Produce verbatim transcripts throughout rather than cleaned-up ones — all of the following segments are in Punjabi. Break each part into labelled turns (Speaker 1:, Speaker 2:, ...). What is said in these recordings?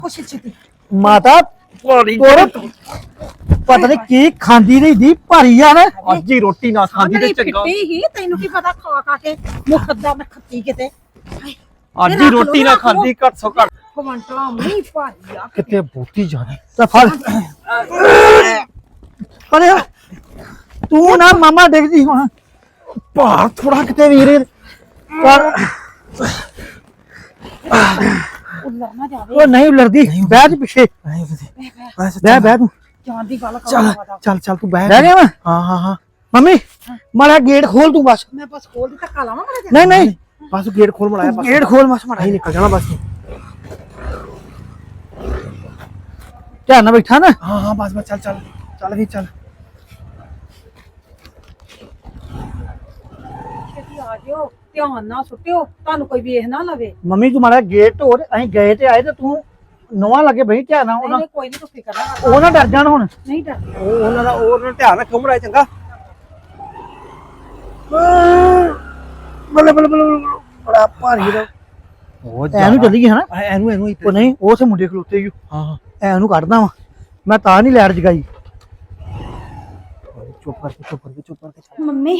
Speaker 1: कोशिश छेती
Speaker 2: माता तोरे पता नहीं की खांदी नहीं दी भारी आ ना
Speaker 3: ਅੱਜ ਹੀ ਰੋਟੀ ਨਾ ਖਾਂਦੀ ਤੇ ਚੰਗਾ
Speaker 1: फिट्टी ही तैनू की पता खा खा के मुखद्दा मैं खत्ती किते
Speaker 3: ਅੱਜ ਹੀ ਰੋਟੀ ਨਾ ਖਾਂਦੀ ਘੱਟ ਸੋ ਘੱਟ
Speaker 1: क्वांटला नहीं भारी आ
Speaker 3: ਕਿਤੇ ਬੋਤੀ ਜਾਣਾ
Speaker 2: तो फल पर तू ना मामा देखदी हुन
Speaker 3: ਭਾਰ ਥੋੜਾ ਕਿਤੇ ਵੀਰੇ
Speaker 2: पर
Speaker 1: उल्ला ना जावे
Speaker 2: वो नहीं लड़दी बैठ पीछे बैठ बैठ तू
Speaker 1: जान दी गल
Speaker 3: ਚੱਲ
Speaker 1: कर
Speaker 3: ਚੱਲ ਚੱਲ ਤੂੰ ਬਹਿ
Speaker 2: बैठ गया मैं
Speaker 3: ਹਾਂ ਹਾਂ ਹਾਂ
Speaker 2: मम्मी मारा गेट खोल तू बस
Speaker 1: मैं बस खोल दी धक्का लावा मारा
Speaker 2: नहीं नहीं
Speaker 3: ਬਸ ਗੇਟ ਖੋਲ ਮੜਾਇਆ ਬਸ
Speaker 2: गेट खोल बस मारा
Speaker 3: ਨਹੀਂ ਨਿਕਲ ਜਾਣਾ ਬਸ
Speaker 2: ध्यान ना बैठा ना
Speaker 3: ਹਾਂ ਹਾਂ ਬਸ ਬਸ ਚੱਲ ਚੱਲ ਚੱਲ ਵੀ ਚੱਲ
Speaker 1: छेती आ जियो ध्यान ना सुटियो तानू कोई वेख ना लवे
Speaker 2: मम्मी तू मारा गेट तोड़ अहीं गए ते आए ते तू नवा लगे बही ध्यान ना
Speaker 1: नहीं कोई नहीं तू फिकर ना कर
Speaker 2: ਉਹ ਨਾ ਡਰ ਜਾਣ ਹੁਣ
Speaker 1: नहीं डर
Speaker 3: ਉਹ ਉਹਨਾਂ ਦਾ ਉਹਨਾਂ ਦਾ ਧਿਆਨ ਰੱਖੋ ਮੜਾਇਆ ਚੰਗਾ
Speaker 2: ਬੱਲੇ ਬੱਲੇ ਬੱਲੇ ਬੜਾ ਭਾਰੀ ਦਾ
Speaker 3: ਉਹ
Speaker 2: ਐਨੂੰ ਚੱਲੀਏ ਹਨਾ
Speaker 3: ਐਨੂੰ ਐਨੂੰ
Speaker 2: ਉਹ ਨਹੀਂ ਉਹ ਸੇ ਮੁੰਡੇ ਖਲੋਤੇ ਹੀ
Speaker 3: ਹਾਂ ਹਾਂ
Speaker 2: ਐਨੂੰ ਕੱਢਦਾ ਵਾ ਮੈਂ ਤਾਂ ਨਹੀਂ ਲੈਟ ਜਗਾਈ
Speaker 3: ਚੁੱਪ ਕਰਕੇ ਚੁੱਪ ਕਰਕੇ ਚੁੱਪ ਕਰਕੇ ਚੱਲ।
Speaker 4: ਮੰਮੀ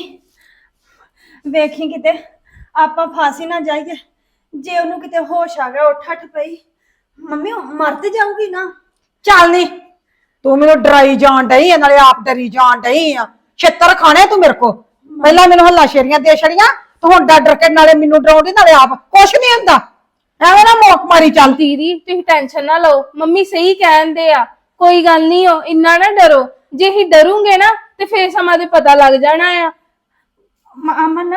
Speaker 4: ਵੇਖੀ ਕਿਤੇ ਆਪਾਂ ਫਾਸੀ ਨਾ ਜਾਈਏ ਜੇ ਉਹਨੂੰ ਕਿਤੇ ਹੋਸ਼ ਆ ਗਿਆ ਉੱਠ ਅੱਠ ਪਈ ਮੰਮੀ ਉਹ ਮਰ ਤੇ ਜਾਊਗੀ ਨਾ
Speaker 1: ਚੱਲ ਨੀ ਤੂੰ ਮੈਨੂੰ ਡਰਾਈ ਜਾਣ ਡਈ ਆ ਨਾਲੇ ਆਪ ਡਰੀ ਜਾਣ ਡਈ ਆ ਛਿੱਤਰ ਖਾਣੇ ਤੂੰ ਮੇਰੇ ਕੋ ਪਹਿਲਾਂ ਮੈਨੂੰ ਹੱਲਾ ਸ਼ੇਰੀਆਂ ਦੇ ਛੜੀਆਂ ਤੂੰ ਹੁਣ ਡਰ ਡਰ ਕੇ ਨਾਲੇ ਮੈਨੂੰ ਡਰਾਉਂਦੀ ਨਾਲੇ ਆਪ ਕੁਛ ਨਹੀਂ ਹੁੰਦਾ ਐਵੇਂ ਨਾ ਮੋਕ ਮਾਰੀ ਚੱਲ
Speaker 5: ਦੀਦੀ ਤੁਸੀਂ ਟੈਨਸ਼ਨ ਨਾ ਲਓ ਮੰਮੀ ਸਹੀ ਕਹਿੰਦੇ ਆ ਕੋਈ ਗੱਲ ਨਹੀਂ ਹੋ ਇੰਨਾ ਨਾ ਡਰੋ ਜੇ ਹੀ ਡਰੂਗੇ ਨਾ ਤੇ ਫੇਰ ਸਮਾਂ ਦੇ ਪਤਾ ਲੱਗ ਜਾਣਾ ਆ
Speaker 4: ਮ- ਅਮਨ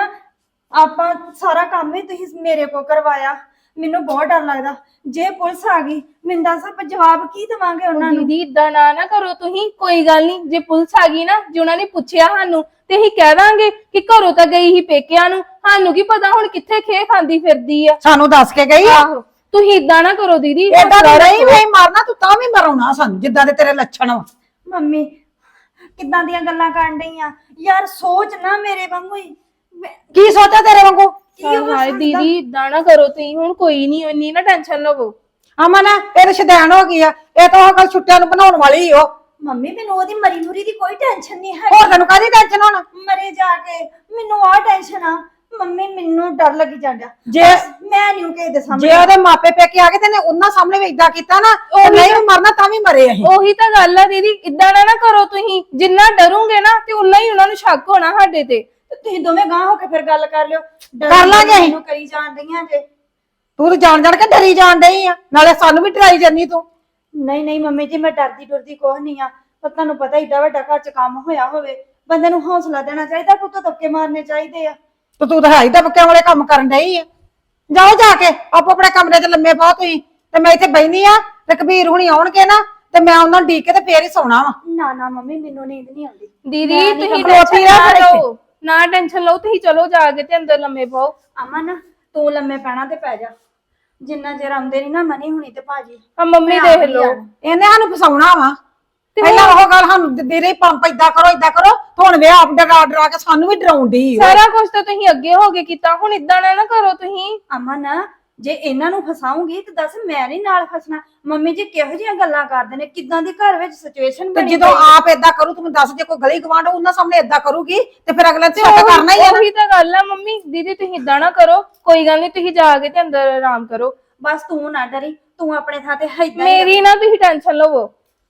Speaker 4: ਆਪਾਂ ਸਾਰਾ ਕੰਮ ਹੀ ਤੁਸੀਂ ਮੇਰੇ ਕੋ ਕਰਵਾਇਆ ਮੈਨੂੰ ਬਹੁਤ ਡਰ ਲੱਗਦਾ ਜੇ ਪੁਲਿਸ ਆ ਗਈ ਮੈਨੂੰ ਦੱਸ ਆਪਾਂ ਜਵਾਬ ਕੀ ਦੇਵਾਂਗੇ ਉਹਨਾਂ ਨੂੰ
Speaker 5: ਦੀਦੀ ਇਦਾਂ ਨਾ ਨਾ ਕਰੋ ਤੁਸੀਂ ਕੋਈ ਗੱਲ ਨਹੀਂ ਜੇ ਪੁਲਿਸ ਆ ਗਈ ਨਾ ਜੇ ਉਹਨਾਂ ਨੇ ਪੁੱਛਿਆ ਸਾਨੂੰ ਤੇ ਅਸੀਂ ਕਹਿ ਦਾਂਗੇ ਕਿ ਘਰੋਂ ਤਾਂ ਗਈ ਹੀ ਪੇਕਿਆਂ ਨੂੰ ਸਾਨੂੰ ਕੀ ਪਤਾ ਹੁਣ ਕਿੱਥੇ ਖੇ ਖਾਂਦੀ ਫਿਰਦੀ ਆ
Speaker 1: ਸਾਨੂੰ ਦੱਸ ਕੇ ਗਈ ਆ
Speaker 5: ਆਹੋ ਤੁਸੀਂ ਇਦਾਂ ਨਾ ਕਰੋ ਦੀਦੀ
Speaker 1: ਏਦਾਂ ਦੀ ਨਹੀਂ ਵੇ ਮਾਰਨਾ ਤੂੰ ਤਾਂ ਵੀ ਮਰਾਉਣਾ ਸਾਨੂੰ ਜਿੱਦਾਂ ਦੇ ਤੇਰੇ ਲੱਛਣ ਵਾ
Speaker 4: ਮੰਮੀ ਕਿੱਦਾਂ ਦੀਆਂ ਗੱਲਾਂ ਕਰਨ ਡਈਆਂ ਯਾਰ ਸੋਚ ਨਾ ਮੇਰੇ ਵਾਂਗੂ ਹੀ ਮੈਂ-
Speaker 1: ਕੀ ਸੋਚਿਆ ਤੇਰੇ ਵਾਂਗੂ
Speaker 4: ਕੀ ਹੋ
Speaker 5: ਹਾਏ
Speaker 4: ਸਕਦਾ?
Speaker 5: ਦੀਦੀ ਇਦਾਂ ਨਾ ਕਰੋ ਤੁਸੀਂ ਹੁਣ ਕੋਈ ਨਹੀਂ ਇੰਨੀ ਨਾ ਟੈਨਸ਼ਨ ਲਵੋ
Speaker 1: ਅਮਨ ਇਹ ਤਾਂ ਸ਼ਦੈਣ ਹੋ ਗਈ ਆ ਇਹ ਤਾਂ ਉਹ ਗੱਲ ਛੁੱਟਿਆਂ ਨੂੰ ਬਣਾਉਣ ਵਾਲੀ ਓ
Speaker 4: ਮੰਮੀ ਮੈਨੂੰ ਉਹਦੀ ਮਰੀ ਮੁਰੀ ਦੀ ਕੋਈ ਟੈਨਸ਼ਨ ਨਹੀਂ ਹੈ
Speaker 1: ਹੋਰ ਤੈਨੂੰ ਕਾਹਦੀ ਟੈਨਸ਼ਨ ਹੋਣਾ
Speaker 4: ਮਰੇ ਜਾ ਕੇ ਮੈਨੂੰ ਆ ਟੈਨਸ਼ਨ ਆ ਮੰਮੀ ਮੈਨੂੰ ਡਰ ਲੱਗੀ ਜਾਂਦਾ
Speaker 1: ਜੇ
Speaker 4: ਮੈਂ ਨਹੀਂ ਕਿਸੇ ਦੇ ਸਾਹਮਣੇ
Speaker 1: ਜੇ ਉਹਦੇ ਮਾਪੇ ਪੇਕੇ ਆ ਗਏ ਤੇ ਨੇ ਉਹਨਾਂ ਸਾਹਮਣੇ ਵੀ ਇਦਾਂ ਕੀਤਾ ਨਾ ਉਹ ਨਹੀਂ ਵੀ ਮਰਨਾ ਤਾਂ ਵੀ ਮਰੇ ਅਸੀਂ
Speaker 5: ਉਹੀ ਤਾਂ ਗੱਲ ਆ ਦੀਦੀ ਇਦਾਂ ਨਾ ਨਾ ਕਰੋ ਤੁਸੀਂ ਜਿੰਨਾ ਡਰੋਗੇ ਨਾ ਤੇ ਉਨਾ ਹੀ ਉਹਨਾਂ ਨੂੰ ਸ਼ੱਕ ਹੋਣਾ ਸਾਡੇ ਤੇ
Speaker 4: ਤੇ ਤੁਸੀਂ ਦੋਵੇਂ ਗਾਂ ਹੋ ਕੇ ਫਿਰ ਗੱਲ ਕਰ ਲਿਓ ਡਰ
Speaker 1: ਕਰ ਲਾਂਗੇ ਅਸੀਂ।
Speaker 4: ਮੈਨੂੰ ਕਰੀ ਜਾਣ ਡਈਆਂ ਜੇ
Speaker 1: ਤੂੰ ਤਾਂ ਜਾਣ ਜਾਣ ਕੇ ਡਰੀ ਜਾਣ ਡਈ ਆ ਨਾਲੇ ਸਾਨੂੰ ਵੀ ਡਰਾਈ ਜਾਨੀ ਤੂੰ
Speaker 4: ਨਹੀਂ ਨਹੀਂ ਮੰਮੀ ਜੀ ਮੈਂ ਡਰਦੀ ਡਰਦੀ ਕੁਛ ਨਹੀਂ ਆ ਪਰ ਤੁਹਾਨੂੰ ਪਤਾ ਏਡਾ ਵੱਡਾ ਘਰ ਚ ਕੰਮ ਹੋਇਆ ਹੋਵੇ ਬੰਦੇ ਨੂੰ ਹੌਸਲਾ ਦੇਣਾ ਚਾਹੀਦਾ ਕੁੱਤੋਂ ਧੱਕੇ ਮਾਰਨੇ ਚਾਹੀਦੇ ਆ
Speaker 1: ਤੇ ਤੂੰ ਤਾਂ ਹੈ ਹੀ ਦਬਕਿਆਂ ਵਾਲੇ ਕੰਮ ਕਰਨ ਡਈ ਆ ਜਾਓ ਜਾ ਕੇ ਆਪੋ ਆਪਣੇ ਕਮਰੇ 'ਚ ਲੰਮੇ ਪਾਓ ਤੁਸੀਂ ਤੇ ਮੈਂ ਇੱਥੇ ਬੈਣੀ ਆ ਤੇ ਕਬੀਰ ਹੁਣੀ ਆਉਣਗੇ ਨਾ ਤੇ ਮੈਂ ਉਹਨਾਂ ਨੂੰ ਢੀਕ ਕੇ ਤੇ ਫੇਰ ਹੀ ਸੌਣਾ ਵਾ
Speaker 4: ਨਾ ਨਾ ਮੰਮੀ ਮੈਨੂੰ ਨੀਂਦ ਨਹੀਂ ਆਉਂਦੀ
Speaker 5: ਦੀਦੀ
Speaker 4: ਮੈਂ ਨੀ
Speaker 5: ਤੁਸੀਂ
Speaker 1: ਖਲੋਤੀ
Speaker 5: ਟੈਨਸ਼ਨ
Speaker 1: ਰਹਿ
Speaker 5: ਨਾ
Speaker 1: ਫਿਰ
Speaker 5: ਲਓ ਨਾ ਟੈਨਸ਼ਨ ਲਓ ਤੁਸੀਂ ਚਲੋ ਜਾ ਕੇ ਤੇ ਅੰਦਰ ਲੰਮੇ ਪਾਓ
Speaker 4: ਅਮਨ ਤੂੰ ਲੰਮੇ ਪੈਣਾ ਤੇ ਪੈ ਜਾ ਜਿੰਨਾ ਚਿਰ ਆਉਂਦੇ ਨਹੀਂ ਨਾ ਮਨੀ ਹੁਣੀ ਤੇ ਭਾਜੀ
Speaker 5: ਆ ਮੰਮੀ
Speaker 4: ਮੈਂ
Speaker 5: ਦੇਖ
Speaker 4: ਆਪ ਹੀ
Speaker 5: ਲਓ
Speaker 4: ਆਉਣਾ।
Speaker 1: ਇਹਨੇ ਸਾਨੂੰ ਫਸਾਉਣਾ ਵਾ ਪਹਿਲਾਂ ਉਹ ਗੱਲ ਸਾਨੂੰ ਦੇ ਰਹੀ ਪੰਪ ਏਦਾਂ ਕਰੋ ਏਦਾਂ ਕਰੋ ਤੇ ਹੁਣ ਵੇ ਆਪ ਡਰਾ ਡਰਾ ਕੇ ਸਾਨੂੰ ਵੀ ਡਰਾਉਣ ਡਈ ਓ।
Speaker 5: ਸਾਰਾ ਕੁਝ ਤਾਂ ਤੁਸੀਂ ਅੱਗੇ ਹੋ ਕੇ ਕੀਤਾ ਹੁਣ ਇਦਾਂ ਨਾ ਨਾ ਕਰੋ ਤੁਸੀਂ
Speaker 4: ਅਮਨ ਜੇ ਇਹਨਾਂ ਨੂੰ ਫਸਾਉਂਗੀ ਤੇ ਦੱਸ ਮੈਂ ਨਹੀਂ ਨਾਲ ਫਸਣਾ ਮੰਮੀ ਜੀ ਕਿਹੋ ਜਿਹੀਆਂ ਗੱਲਾਂ ਕਰਦੇ ਨੇ ਕਿੱਦਾਂ ਦੀ ਘਰ ਵਿੱਚ ਸਿਚੁਏਸ਼ਨ
Speaker 1: ਤੇ
Speaker 4: ਬਣੀ
Speaker 1: ਜਦੋਂ
Speaker 4: ਹੋਈ ਹੈ।
Speaker 1: ਆਪ ਏਦਾਂ ਕਰੂ ਤੂੰ ਮੈਨੂੰ ਦੱਸ ਜੇ ਕੋਈ ਗਲੀ ਗਵਾਂਢ ਉਹਨਾਂ ਸਾਹਮਣੇ ਏਦਾਂ ਕਰੂਗੀ ਤੇ ਫਿਰ ਅਗਲੇ ਨੇ ਸ਼ੱਕ ਕਰਨਾ ਹੀ ਆ ਨਾ।
Speaker 5: ਉਹੀ ਤਾਂ ਗੱਲ ਆ ਮੰਮੀ ਦੀਦੀ ਤੁਸੀਂ ਇਦਾਂ ਨਾ ਕਰੋ ਕੋਈ ਗੱਲ ਨਹੀਂ ਤੁਸੀਂ ਜਾ ਕੇ ਤੇ ਅੰਦਰ ਆਰਾਮ ਕਰੋ
Speaker 4: ਬਸ ਤੂੰ ਨਾ ਡਰੀ ਤੂੰ ਆਪਣੇ ਥਾਂ ਤੇ ਏਦਾਂ ਹੀ
Speaker 5: ਮੇਰੀ ਨਾ ਤੁਸੀਂ ਟੈਨਸ਼ਨ ਲਵੋ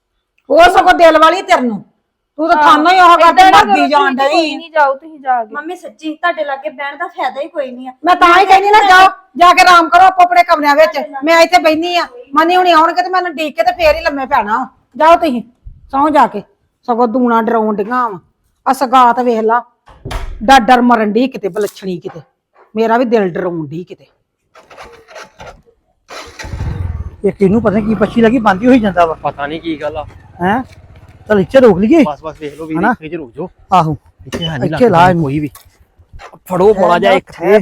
Speaker 1: ਉਹ ਸਗੋਂ ਦਿਲ ਵਾਲੀ ਤੇਰੇ ਨੂੰ ਤੂੰ ਤਾਂ ਥਾਨੋਂ ਹੀ ਉਹ ਗੱਲ ਤੇ ਮਰਦੀ ਜਾਣ ਡਈ
Speaker 5: ਕੋਈ ਨਹੀਂ ਜਾਓ ਤੁਸੀਂ ਜਾ ਕੇ
Speaker 4: ਮੰਮੀ ਸੱਚੀ ਤੁਹਾਡੇ ਲਾਗੇ ਬਹਿਣ ਦਾ ਫਾਇਦਾ ਹੀ ਕੋਈ ਨਹੀਂ ਆ
Speaker 1: ਮੈਂ ਤਾਂ ਹੀ ਕਹਿੰਦੀ ਨਾ ਜਾਓ ਜਾ ਕੇ ਆਰਾਮ ਕਰੋ ਆਪੋ ਆਪਣੇ ਕਮਰਿਆਂ ਵਿੱਚ ਮੈਂ ਇੱਥੇ ਬੈਣੀ ਆ ਮਨੀ ਹੁਣੀ ਆਉਣਗੇ ਤੇ ਮੈਨੂੰ ਢੀਕ ਕੇ ਤੇ ਫੇਰ ਹੀ ਲੰਮੇ ਪੈਣਾ ਵਾ। ਜਾਓ ਤੁਸੀਂ ਸੌਂ ਜਾ ਕੇ ਸਗੋਂ ਦੂਣਾ ਡਰਾਉਣ ਡੀਆਂ ਵਾ ਆ ਸਗਾਤ ਵੇਖ ਲਾ ਡਰ ਡਰ ਮਰਨ ਡਈ ਕਿਤੇ ਬਲਛਣੀ ਕਿਤੇ ਮੇਰਾ ਵੀ ਦਿਲ ਡਰਾਉਣ ਡਈ ਕਿਤੇ
Speaker 2: ਇਹ ਕਿਹਨੂੰ ਪਤਾ ਕੀ ਪੱਛੀ ਲੱਗੀ ਬੰਦੀ ਹੋਈ ਜਾਂਦਾ ਵਾ
Speaker 3: ਪਤਾ ਨਹੀਂ ਕੀ ਗੱਲ ਆ
Speaker 2: ਹੈ ਚਲ ਇੱਥੇ ਰੋਕ ਲਈਏ
Speaker 3: ਬਸ ਬਸ ਵੇਖ ਲਓ ਵੀਰੇ
Speaker 2: ਹਨਾ?
Speaker 3: ਇੱਥੇ ਰੁਕ ਜਾਓ
Speaker 2: ਆਹੋ
Speaker 3: ਇੱਥੇ ਹੈ ਨਹੀਂ
Speaker 2: ਇੱਥੇ ਲਾ ਇਹਨੂੰ।
Speaker 3: ਕੋਈ ਵੀ ਫੜੋ ਬੋਲਾ ਜਾ ਇੱਕ ਤੇ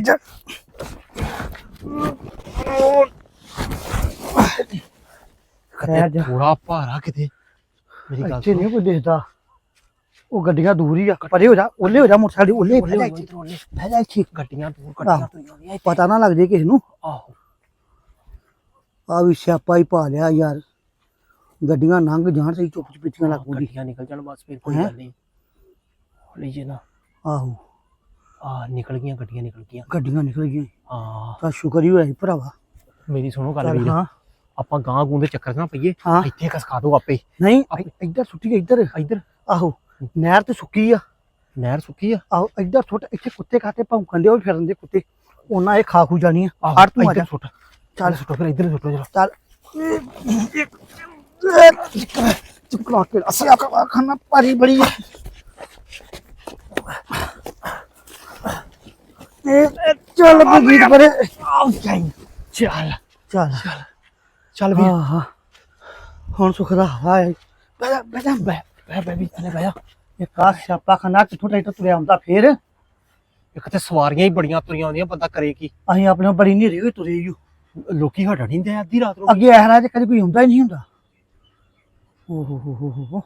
Speaker 2: ਖੈਰ ਜਾ।
Speaker 3: ਥੋੜਾ ਭਾਰਾ ਕਿਤੇ ਮੇਰੀ ਗੱਲ
Speaker 2: ਇੱਥੇ ਨਹੀਂ ਕੋਈ ਦਿਖਦਾ ਉਹ ਗੱਡੀਆਂ ਦੂਰ ਹੀ ਆ ਪਰੇ ਹੋ ਜਾ ਉੱਲੇ ਹੋ ਜਾ ਮੋਟਰਸਾਈਕਲ ਉੱਲੇ ਬਹਿ ਜਾ ਇੱਥੇ ਬਹਿ ਜਾ ਇੱਥੇ
Speaker 3: ਗੱਡੀਆਂ ਦੂਰ
Speaker 2: ਆਹੋ।
Speaker 3: ਗੱਡੀਆਂ ਤੁਰੀਆਂ
Speaker 2: ਪਤਾ ਨਾ ਲੱਗ ਜੇ ਕਿਸੇ ਨੂੰ
Speaker 3: ਆਹੋ
Speaker 2: ਆ ਵੀ ਸਿਆਪਾ ਹੀ ਪਾ ਲਿਆ ਯਾਰ ਗੱਡੀਆਂ ਲੰਘ ਜਾਣ ਸਹੀ ਚੁੱਪ ਚਪੀਤੀਆਂ ਲੱਗੂਗੀ
Speaker 3: ਗੱਡੀਆਂ ਨਿਕਲ ਜਾਣ ਬਸ ਫਿਰ ਕੋਈ
Speaker 2: ਹੈਂ?
Speaker 3: ਗੱਲ ਨਹੀਂ ਹੌਲੀ ਜੇ ਨਾ
Speaker 2: ਆਹੋ
Speaker 3: ਆ ਨਿਕਲ ਗਈਆਂ ਗੱਡੀਆਂ ਨਿਕਲ ਗਈਆਂ
Speaker 2: ਗੱਡੀਆਂ ਨਿਕਲ ਗਈਆਂ
Speaker 3: ਹਾਂ
Speaker 2: ਤਾਂ ਸ਼ੁਕਰ ਹੀ ਹੋਇਆ ਸੀ ਭਰਾਵਾ
Speaker 3: ਮੇਰੀ ਸੁਣੋ ਗੱਲ
Speaker 2: ਚੱਲ
Speaker 3: ਵੀਰ
Speaker 2: ਹਾਂ
Speaker 3: ਆਪਾਂ ਗਾਂ ਗੂੰ ਦੇ ਚੱਕਰ ਨਾ ਪਈਏ
Speaker 2: ਹਾਂ।
Speaker 3: ਇੱਥੇ ਖਸਕਾ ਦੋ ਆਪੇ
Speaker 2: ਨਹੀਂ ਇ- ਇੱਧਰ ਸੁੱਟੀ ਇੱਧਰ
Speaker 3: ਇੱਧਰ
Speaker 2: ਆਹੋ ਨਹਿਰ ਤੇ ਸੁੱਕੀ ਆ
Speaker 3: ਨਹਿਰ ਸੁੱਕੀ ਆ
Speaker 2: ਆਹੋ ਇੱਧਰ ਸੁੱਟ ਇੱਥੇ ਕੁੱਤੇ ਖਾਤੇ ਭੌਂਕਣ ਦੇ ਉਹ ਵੀ ਫਿਰਨ ਦੇ ਕੁੱਤੇ ਉਹਨਾਂ ਇਹ ਖਾ ਖੂ ਜਾਣੀ ਆ
Speaker 3: ਆਹੋ,
Speaker 2: ਹਟ ਤੂੰ ਆ ਜਾ
Speaker 3: ਇੱਧਰ ਸੁੱਟ ਚੱਲ ਸੁੱਟੋ ਫਿਰ ਇੱਧਰ ਸੁੱਟੋ ਜਰਾ
Speaker 2: ਚੱਲ ਚੁੱਕਲਾ ਕੇ ਅਸੀਂ ਆਪਾ ਖਾਣਾ ਭਾਰੀ ਬੜੀ ਆ ਇਹ ਇਹ ਚੱਲ ਬਗੀਤ ਪਰੇ
Speaker 3: ਆਉ ਜਾਈ ਚੱਲ
Speaker 2: ਚੱਲ
Speaker 3: ਚੱਲ ਵੀ
Speaker 2: ਹਾਂ ਹਾਂ ਹੁਣ ਸੁੱਖ ਦਾ ਹਵਾ ਹੈ ਬੈ ਜਾ ਬੈ ਜਾ
Speaker 3: ਬੈ ਬੈ ਬੈ ਵੀ ਥੱਲੇ ਬੈ ਜਾ
Speaker 2: ਇਹ ਕਾਸ ਸਿਆਪਾ ਖਾਨਾ ਕਿੱਥੋਂ ਟਰੈਕਟਰ ਤੁਰਿਆ ਹੁੰਦਾ ਫੇਰ
Speaker 3: ਇੱਕ ਤੇ ਸਵਾਰੀਆਂ ਹੀ ਬੜੀਆਂ ਤੁਰੀਆਂ ਆਉਂਦੀਆਂ ਬੰਦਾ ਕਰੇ ਕੀ
Speaker 2: ਅਸੀਂ ਆਪਣੇ ਬੜੀ ਨੇਰੀ ਹੋਈ ਤੁਰੇ ਈ ਓ।
Speaker 3: ਲੋਕੀ ਹਟਣ ਨਹੀਂ ਦੇ ਅੱਧੀ ਰਾਤ ਨੂੰ
Speaker 2: ਅੱਗੇ ਇਹ ਰਾਜ ਕਦੇ ਕੋਈ ਹੁੰਦਾ ਹੀ ਨਹੀਂ ਹੁੰਦਾ ਓ ਹੋ ਹੋ ਹੋ ਹੋ ਹੋ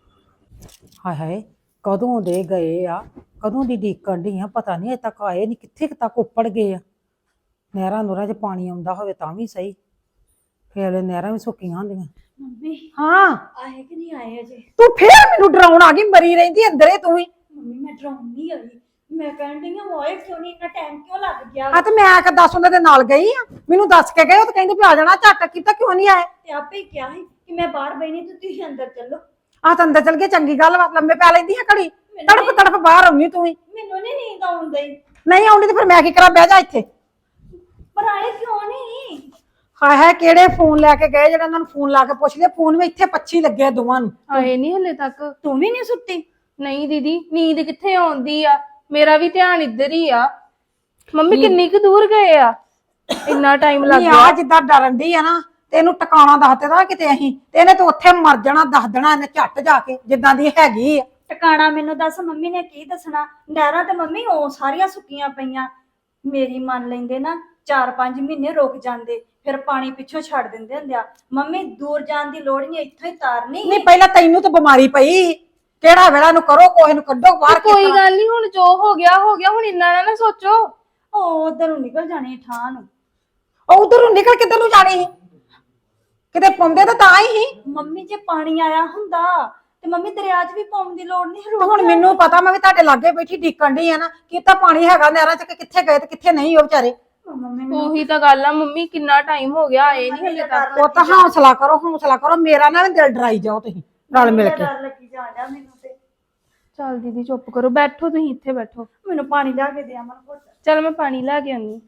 Speaker 1: ਹਾਏ ਹਾਏ ਕਦੋਂ ਦੇ ਗਏ ਆ ਕਦੋਂ ਦੀ ਡੀਕਣ ਢੀ ਆ ਪਤਾ ਨਹੀਂ ਅਜੇ ਤੱਕ ਆਏ ਨਹੀਂ ਕਿੱਥੇ ਕੁ ਤੱਕ ਉੱਪੜ ਗਏ ਆ ਨਹਿਰਾਂ ਨੂਰਾਂ 'ਚ ਪਾਣੀ ਆਉਂਦਾ ਹੋਵੇ ਤਾਂ ਵੀ ਸਹੀ ਫੇਰ ਨਹਿਰਾਂ ਵੀ ਸੁੱਕੀਆਂ ਹੁੰਦੀਆਂ
Speaker 4: ਮੰਮੀ
Speaker 1: ਹਾਂ
Speaker 4: ਆਏ ਕਿ ਨਹੀਂ ਆਏ ਅਜੇ?
Speaker 1: ਤੂੰ ਫੇਰ ਮੈਨੂੰ ਡਰਾਉਣ ਆ ਗਈ ਮਰੀ ਰਹਿੰਦੀ ਅੰਦਰੇ ਤੂੰ ਹੀ
Speaker 4: ਮੰਮੀ ਮੈਂ ਡਰਾਉਂਦੀ ਆਈ ਮੈਂ ਕਹਿਣ ਡਈ ਆ ਹੋਏ ਕਿਉਂ ਨਹੀਂ ਇੰਨਾ ਟਾਈਮ ਕਿਉਂ ਲੱਗ ਗਿਆ
Speaker 1: ਆ ਤੇ ਮੈਂ ਆ ਕੇ ਦੱਸ ਉਹਨਾਂ ਦੇ ਨਾਲ ਗਈ ਆ ਮੈਨੂੰ ਦੱਸ ਕੇ ਗਏ ਉਹ ਤਾਂ ਕਹਿੰਦੇ ਵੀ ਆ ਜਾਣਾ ਝੱਟ ਕੀਤਾ ਕਿਉਂ ਨਹੀਂ ਆਏ
Speaker 4: ਤੇ ਆਪੇ ਹੀ ਕਿਹਾ ਸੀ ਕਿ ਮੈਂ ਬਾਹਰ ਬੈਣੀ ਤੇ ਤੁਸੀਂ ਅੰਦਰ ਚੱਲੋ।
Speaker 1: ਆ ਤਾਂ ਅੰਦਰ ਚਲ ਗਏ ਚੰਗੀ ਗੱਲ ਵਾ ਲੰਮੇ ਪੈ ਲੈਂਦੀ ਆ ਘੜੀ ਤੜਫ ਤੜਫ ਬਾਹਰ ਆਉਣੀ ਤੂੰ ਹੀ
Speaker 4: ਮੈਨੂੰ ਨਹੀਂ ਨੀਂਦ ਆਉਂਦੀ
Speaker 1: ਨਹੀਂ ਆਉਂਦੀ ਤੇ ਫਿਰ ਮੈਂ ਕੀ ਕਰਾਂ ਬਹਿ ਜਾ ਇੱਥੇ
Speaker 4: ਪਰ ਆਏ ਕਿਉਂ ਨਹੀਂ?
Speaker 1: ਹਾਏ ਹਾਏ ਕਿਹੜੇ ਫੋਨ ਲੈ ਕੇ ਗਏ ਜਿਹੜਾ ਉਹਨਾਂ ਨੂੰ ਫੋਨ ਲਾ ਕੇ ਪੁੱਛ ਲਿਆ ਫੋਨ ਵਿੱਚ ਇੱਥੇ ਪੱਛੀ ਲੱਗੇ ਆ ਦੋਵਾਂ ਨੂੰ
Speaker 5: ਆਏ ਨਹੀਂ ਹਲੇ ਤੱਕ।
Speaker 4: ਤੂੰ ਵੀ ਨਹੀਂ ਸੁੱਤੀ?
Speaker 5: ਨਹੀਂ ਦੀਦੀ ਨੀਂਦ ਕਿੱਥੇ ਆਉਂਦੀ ਆ ਮੇਰਾ ਵੀ ਧਿਆਨ ਇੱਧਰ ਹੀ ਆ। ਮੰਮੀ ਕਿੰਨੀ ਕੁ ਦੂਰ ਗਏ ਆ ਇੰਨਾ ਟਾਈਮ ਲੱਗ
Speaker 1: ਨਹੀਂ
Speaker 5: ਗਿਆ।
Speaker 1: ਆ ਜਿੱਦਾਂ ਡਰਨ ਦੀ ਆ ਨਾ ਤੇ ਇਹਨੂੰ ਟਿਕਾਣਾ ਦੱਸ ਦੇਦਾ ਕਿਤੇ ਅਸੀਂ ਤੇ ਇਹਨੇ ਤਾਂ ਉੱਥੇ ਮਰ ਜਾਣਾ ਦੱਸ ਦੇਣਾ ਇਹਨੇ ਝੱਟ ਜਾ ਕੇ ਜਿੱਦਾਂ ਦੀ ਹੈਗੀ ਆ
Speaker 4: ਟਿਕਾਣਾ ਮੈਨੂੰ ਦੱਸ ਮੰਮੀ ਨੇ ਕੀ ਦੱਸਣਾ? ਨਹਿਰਾਂ ਤੇ ਮੰਮੀ ਉਹ ਸਾਰੀਆਂ ਸੁੱਕੀਆਂ ਪਈਆਂ। ਮੇਰੀ ਮੰਨ ਲੈਂਦੇ ਨਾ ਚਾਰ ਪੰਜ ਮਹੀਨੇ ਰੁਕ ਜਾਂਦੇ ਫਿਰ ਪਾਣੀ ਪਿੱਛੋਂ ਛੱਡ ਦਿੰਦੇ ਹੁੰਦੇ ਆ। ਮੰਮੀ ਦੂਰ ਜਾਣ ਦੀ ਲੋੜ ਨਹੀਂ ਇੱਥੋਂ ਹੀ ਤਾਰਨੀ।
Speaker 1: ਨਹੀਂ ਪਹਿਲਾਂ ਤੈਨੂੰ ਤਾਂ ਬਿਮਾਰੀ ਪਈ ਕਿਹੜਾ ਵੇਲਾ ਨੂੰ ਕਰੋ ਕੋਹੇ ਨੂੰ ਕੱਢੋ ਬਾਹਰ
Speaker 5: ਕੋਈ ਗੱਲ ਨਹੀਂ ਹੁਣ ਜੋ ਹੋ ਗਿਆ ਹੋ ਗਿਆ ਹੁਣ ਇੰਨਾ ਨਾ ਨਾ ਸੋਚੋ।
Speaker 4: ਉਹ ਉਧਰ ਨੂੰ ਨਿਕਲ ਜਾਣੀ ਠਾਂ ਨੂੰ।
Speaker 1: ਉਹ ਉਧਰ ਨੂੰ ਨਿਕਲ ਕਿੱਧਰ ਨੂੰ ਜਾਣੀ ਸੀ ਕਿਤੇ ਪਾਉਂਦੇ ਤਾਂ ਤਾਂ ਹੀ ਸੀ
Speaker 4: ਮੰਮੀ ਜੇ ਪਾਣੀ ਆਇਆ ਹੁੰਦਾ ਤੇ ਮੰਮੀ ਦਰਿਆ 'ਚ ਵੀ ਪਾਉਣ ਦੀ ਲੋੜ ਨਹੀਂ।
Speaker 1: ਤੇ ਹੁਣ ਮੈਨੂੰ ਪਤਾ ਮੈਂ ਵੀ ਤੁਹਾਡੇ ਲਾਗੇ ਬੈਠੀ ਡੀਕਣ ਡਈ ਆ ਨਾ ਕਿ ਤਾਂ ਪਾਣੀ ਹੈਗਾ ਨਹਿਰਾਂ ਚ ਕਿ ਕਿੱਥੇ ਗਏ ਤੇ ਕਿੱਥੇ ਨਹੀਂ ਉਹ ਵਿਚਾਰੇ
Speaker 4: ਮੰਮੀ ਮੈਨੂੰ
Speaker 5: ਉਹੀ ਤਾਂ ਗੱਲ ਆ ਮੰਮੀ ਕਿੰਨਾ ਟਾਈਮ ਹੋ ਗਿਆ ਆਏ ਨਹੀਂ ਹਲੇ ਤੱਕ।
Speaker 1: ਉਹ ਤਾਂ ਹੌਸਲਾ ਕਰੋ ਹੌਸਲਾ ਕਰੋ ਮੇਰਾ ਨਾ ਵੀ ਦਿਲ ਡਰਾਈ ਜਾਓ ਤੁਸੀਂ ਰਲ ਮਿਲ ਕੇ
Speaker 4: ਡਰ ਲੱਗੀ ਜਾਣ ਡਿਆ ਮੈਨੂੰ ਤੇ।
Speaker 5: ਚੱਲ ਦੀਦੀ ਚੁੱਪ ਕਰੋ ਬੈਠੋ ਤੁਸੀਂ ਇੱਥੇ ਬੈਠੋ।
Speaker 4: ਮੈਨੂੰ ਪਾਣੀ ਲਿਆ ਕੇ ਦੇ ਅਮਨ ਘੁੱਟ।
Speaker 5: ਚੱਲ ਮੈਂ ਪਾਣੀ ਲੈ ਕੇ ਆਉਂਦੀ।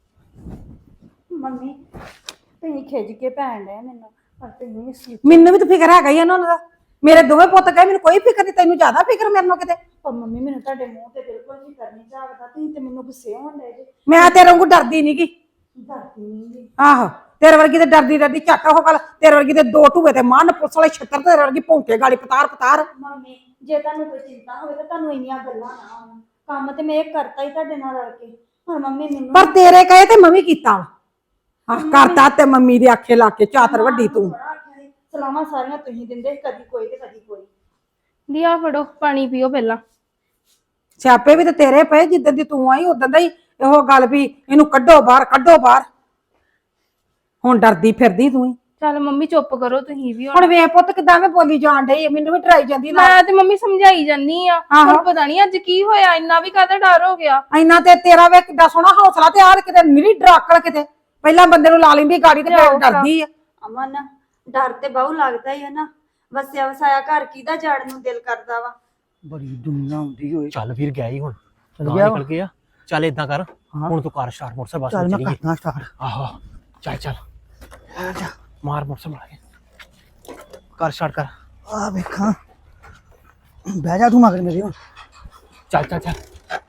Speaker 4: ਮੰਮੀ ਤੁਸੀਂ ਖਿੱਚ ਕੇ ਪੈਣ ਡਏ ਮੈਨੂੰ ਪਰ ਤੁਸੀਂ ਸੀ।
Speaker 1: ਮੈਨੂੰ ਵੀ ਤਾਂ ਫਿਕਰ ਹੈਗਾ ਹੀ ਇਹਨਾਂ ਦਾ ਮੇਰੇ ਦੋਵੇਂ ਪੁੱਤ ਗਏ ਮੈਨੂੰ ਕੋਈ ਫਿਕਰ ਨਹੀਂ ਤੈਨੂੰ ਜ਼ਿਆਦਾ ਫਿਕਰ ਮੇਰੇ ਨੂੰ ਕਿਤੇ
Speaker 4: ਪਰ ਮੰਮੀ ਮੈਨੂੰ ਤੁਹਾਡੇ ਮੂੰਹ ਤੇ ਬਿਲਕੁਲ ਨਹੀਂ ਕਰਨੀ ਚਾਹਦਾ। ਤੁਸੀਂ ਤੇ ਮੈਨੂੰ ਗੁੱਸੇ ਹੋਣ ਡਏ ਜੇ।
Speaker 1: ਮੈਂ ਤੇਰੇ ਵਾਂਗੂ ਡਰਦੀ ਨਹੀਂਗੀ
Speaker 4: ਡਰਦੀ ਨਹੀਂ ਜੀ।
Speaker 1: ਆਹੋ ਤੇਰੇ ਵਰਗੀ ਤੇ ਡਰਦੀ ਡਰਦੀ ਝੱਟ ਉਹ ਗੱਲ ਤੇਰੇ ਵਰਗੀ ਤੇ ਦੋ ਢੂਏ ਤੇ ਮਨ ਪੁਲਿਸ ਵਾਲੇ ਛੱਤਰ ਤੇਰੇ ਵਰਗੀ ਭੌਂਕੇ ਗਾੜੀ ਪਤਾਰ ਪਤਾਰ
Speaker 4: ਮੰਮੀ ਜੇ ਤੁਹਾਨੂੰ ਕੋਈ ਚਿੰਤਾ ਹੋਵੇ ਤਾਂ ਤੁਹਾਨੂੰ ਇੰਨੀਆਂ ਗੱਲਾਂ ਨਾ ਆਉਣ। ਕੰਮ ਤੇ ਮੈਂ ਇਹ ਕਰਤਾ ਹੀ ਤੁਹਾਡੇ ਨਾਲ ਰਲ ਕੇ। ਹੁਣ ਮੰਮੀ ਮੈਨੂੰ
Speaker 1: ਪਰ ਤੇਰੇ ਕਹੇ ਤੇ ਮੈਂ ਵੀ ਕੀਤਾ ਵਾ ਆਹ ਕਰਤਾ ਤੇ ਮੰਮੀ ਦੇ ਆਖੇ ਲਾ ਕੇ ਚਾਤਰ ਵੱਡੀ ਤੂੰ
Speaker 4: ਬੜਾ ਆਖਿਆ ਸੀ, ਸਲਾਹਾਂ ਸਾਰੀਆਂ ਤੁਸੀਂ ਦਿੰਦੇ ਸੀ, ਕਦੀ ਕੋਈ ਤੇ ਕਦੀ ਕੋਈ।
Speaker 5: ਦੀ ਆ ਫੜੋ ਪਾਣੀ ਪੀਓ ਪਹਿਲਾਂ।
Speaker 1: ਸਿਆਪੇ ਵੀ ਤੇ ਤੇਰੇ ਪਏ ਜਿੱਦਾਂ ਦੀ ਤੂੰ ਆਈ ਉਦਾਂ ਦਾ ਹੀ ਇਹੋ ਗੱਲ ਵੀ ਇਹਨੂੰ ਕੱਢੋ ਬਾਹਰ ਕੱਢੋ ਬਾਹਰ ਹੁਣ ਡਰਦੀ ਫਿਰਦੀ ਤੂੰ ਹੀ
Speaker 5: ਚੱਲ ਮੰਮੀ ਚੁੱਪ ਕਰੋ ਤੁਸੀਂ ਵੀ ਹੁਣ।
Speaker 1: ਹੁਣ ਵੇਖ ਪੁੱਤ ਕਿਦਾਂ ਮੈਂ ਬੋਲੀ ਜਾਣ ਡਈ ਆ, ਮੈਨੂੰ ਵੀ ਡਰਾਈ ਜਾਂਦੀ ਨਾ
Speaker 5: ਮੈਂ ਤੇ ਮੰਮੀ ਸਮਝਾਈ ਜਾਨੀ ਆ
Speaker 1: ਆਹੋ।
Speaker 5: ਹੁਣ ਪਤਾ ਨਹੀਂ ਅੱਜ ਕੀ ਹੋਇਆ ਇੰਨਾ ਵੀ ਕਾਹਦਾ ਡਰ ਹੋ ਗਿਆ।
Speaker 1: ਇੰਨਾ ਤੇ ਤੇਰਾ ਵੇ ਕਿੱਡਾ ਸੋਹਣਾ ਹੌਸਲਾ ਤੇ ਆਰ ਕਿਤੇ ਨਿਰੀ ਡਰਾਕਲ ਕਿਤੇ ਪਹਿਲਾਂ ਬੰਦੇ ਨੂੰ ਲਾ ਲੈਂਦੀ ਗਾੜੀ ਤੇ ਫਿਰ ਡਰਦੀ ਆ
Speaker 4: ਅਮਨ ਡਰ ਤੇ ਬਹੁ ਲੱਗਦਾ ਹੀ ਹੈ ਨਾ। ਵਸਿਆ ਵਸਾਇਆ ਘਰ ਕਿਹਦਾ ਜਾਣ ਨੂੰ ਦਿਲ ਕਰਦਾ ਵਾ।
Speaker 2: ਬੜੀ ਦੁਨੀਆ ਹੁੰਦੀ ਹੋਏ
Speaker 3: ਚੱਲ ਵੀਰ ਗਿਆ ਹੀ ਹੁਣ
Speaker 2: ਚੱਲ
Speaker 3: ਗਾਂ
Speaker 2: ਗਿਆ
Speaker 3: ਨਿਕਲ ਗਿਆ। ਚੱਲ ਇਦਾਂ ਕਰ
Speaker 2: ਹਾਂ।
Speaker 3: ਹੁਣ ਤੂੰ ਕਾਰ ਸਟਾਰਟ ਮੋਟਰਸਾਈਕਲ ਬਸ
Speaker 2: ਚੱਲ ਮੈਂ
Speaker 3: ਚਲੀਏ।
Speaker 2: ਕਰਦਾ ਸਟਾਰਟ
Speaker 3: ਆਹੋ ਚੱਲ ਚੱਲ ਮਾਰ ਮੋਟਰਸਾਈਕਲ ਮਾਰ ਕੇ ਕਾਰ ਸਟਾਰਟ ਕਰ।
Speaker 2: ਆ ਵੇਖਾਂ ਬਹਿ ਜਾ ਤੂੰ ਮਗਰ ਮੇਰੇ ਹੁਣ
Speaker 3: ਚੱਲ ਚੱਲ ਚੱਲ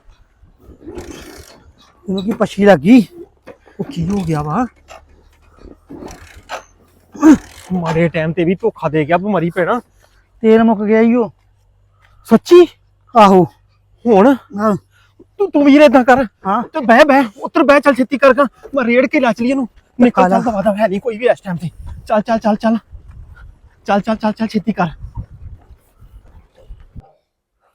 Speaker 2: ਇਹਨੂੰ ਕੀ ਪੱਛੀ ਲੱਗੀ
Speaker 3: ਉਹ ਕੀ ਹੋ ਗਿਆ ਵਾ ਮਾਰੇ ਟਾਈਮ ਤੇ ਵੀ ਧੋਖਾ ਦੇ ਗਿਆ ਬਿਮਾਰੀ ਪੈਣਾ।
Speaker 2: ਤੇਲ ਮੁੱਕ ਗਿਆ ਈ ਉਹ
Speaker 3: ਸੱਚੀ
Speaker 2: ਆਹੋ
Speaker 3: ਹੁਣ
Speaker 2: ਹਾਂ
Speaker 3: ਤੂੰ ਤੂੰ ਵੀਰ ਏਦਾਂ ਕਰ
Speaker 2: ਹਾਂ
Speaker 3: ਤੇ ਬਹਿ ਬਹਿ ਉੱਤਰ ਬਹਿ ਚੱਲ ਛੇਤੀ ਕਰ ਗਾ ਮੈਂ ਰੇੜ ਕੇ ਲਾ ਚਲੀ ਇਹਨੂੰ ਨਿਕਲ
Speaker 2: ਕਾਲਾ।
Speaker 3: ਚੱਲ ਦਵਾ ਹੈ ਨਹੀਂ ਕੋਈ ਵੀ ਇਸ ਟਾਈਮ ਤੇ ਚੱਲ ਚੱਲ ਚੱਲ ਚੱਲ ਚੱਲ ਚੱਲ ਚੱਲ ਚੱਲ ਛੇਤੀ ਕਰ।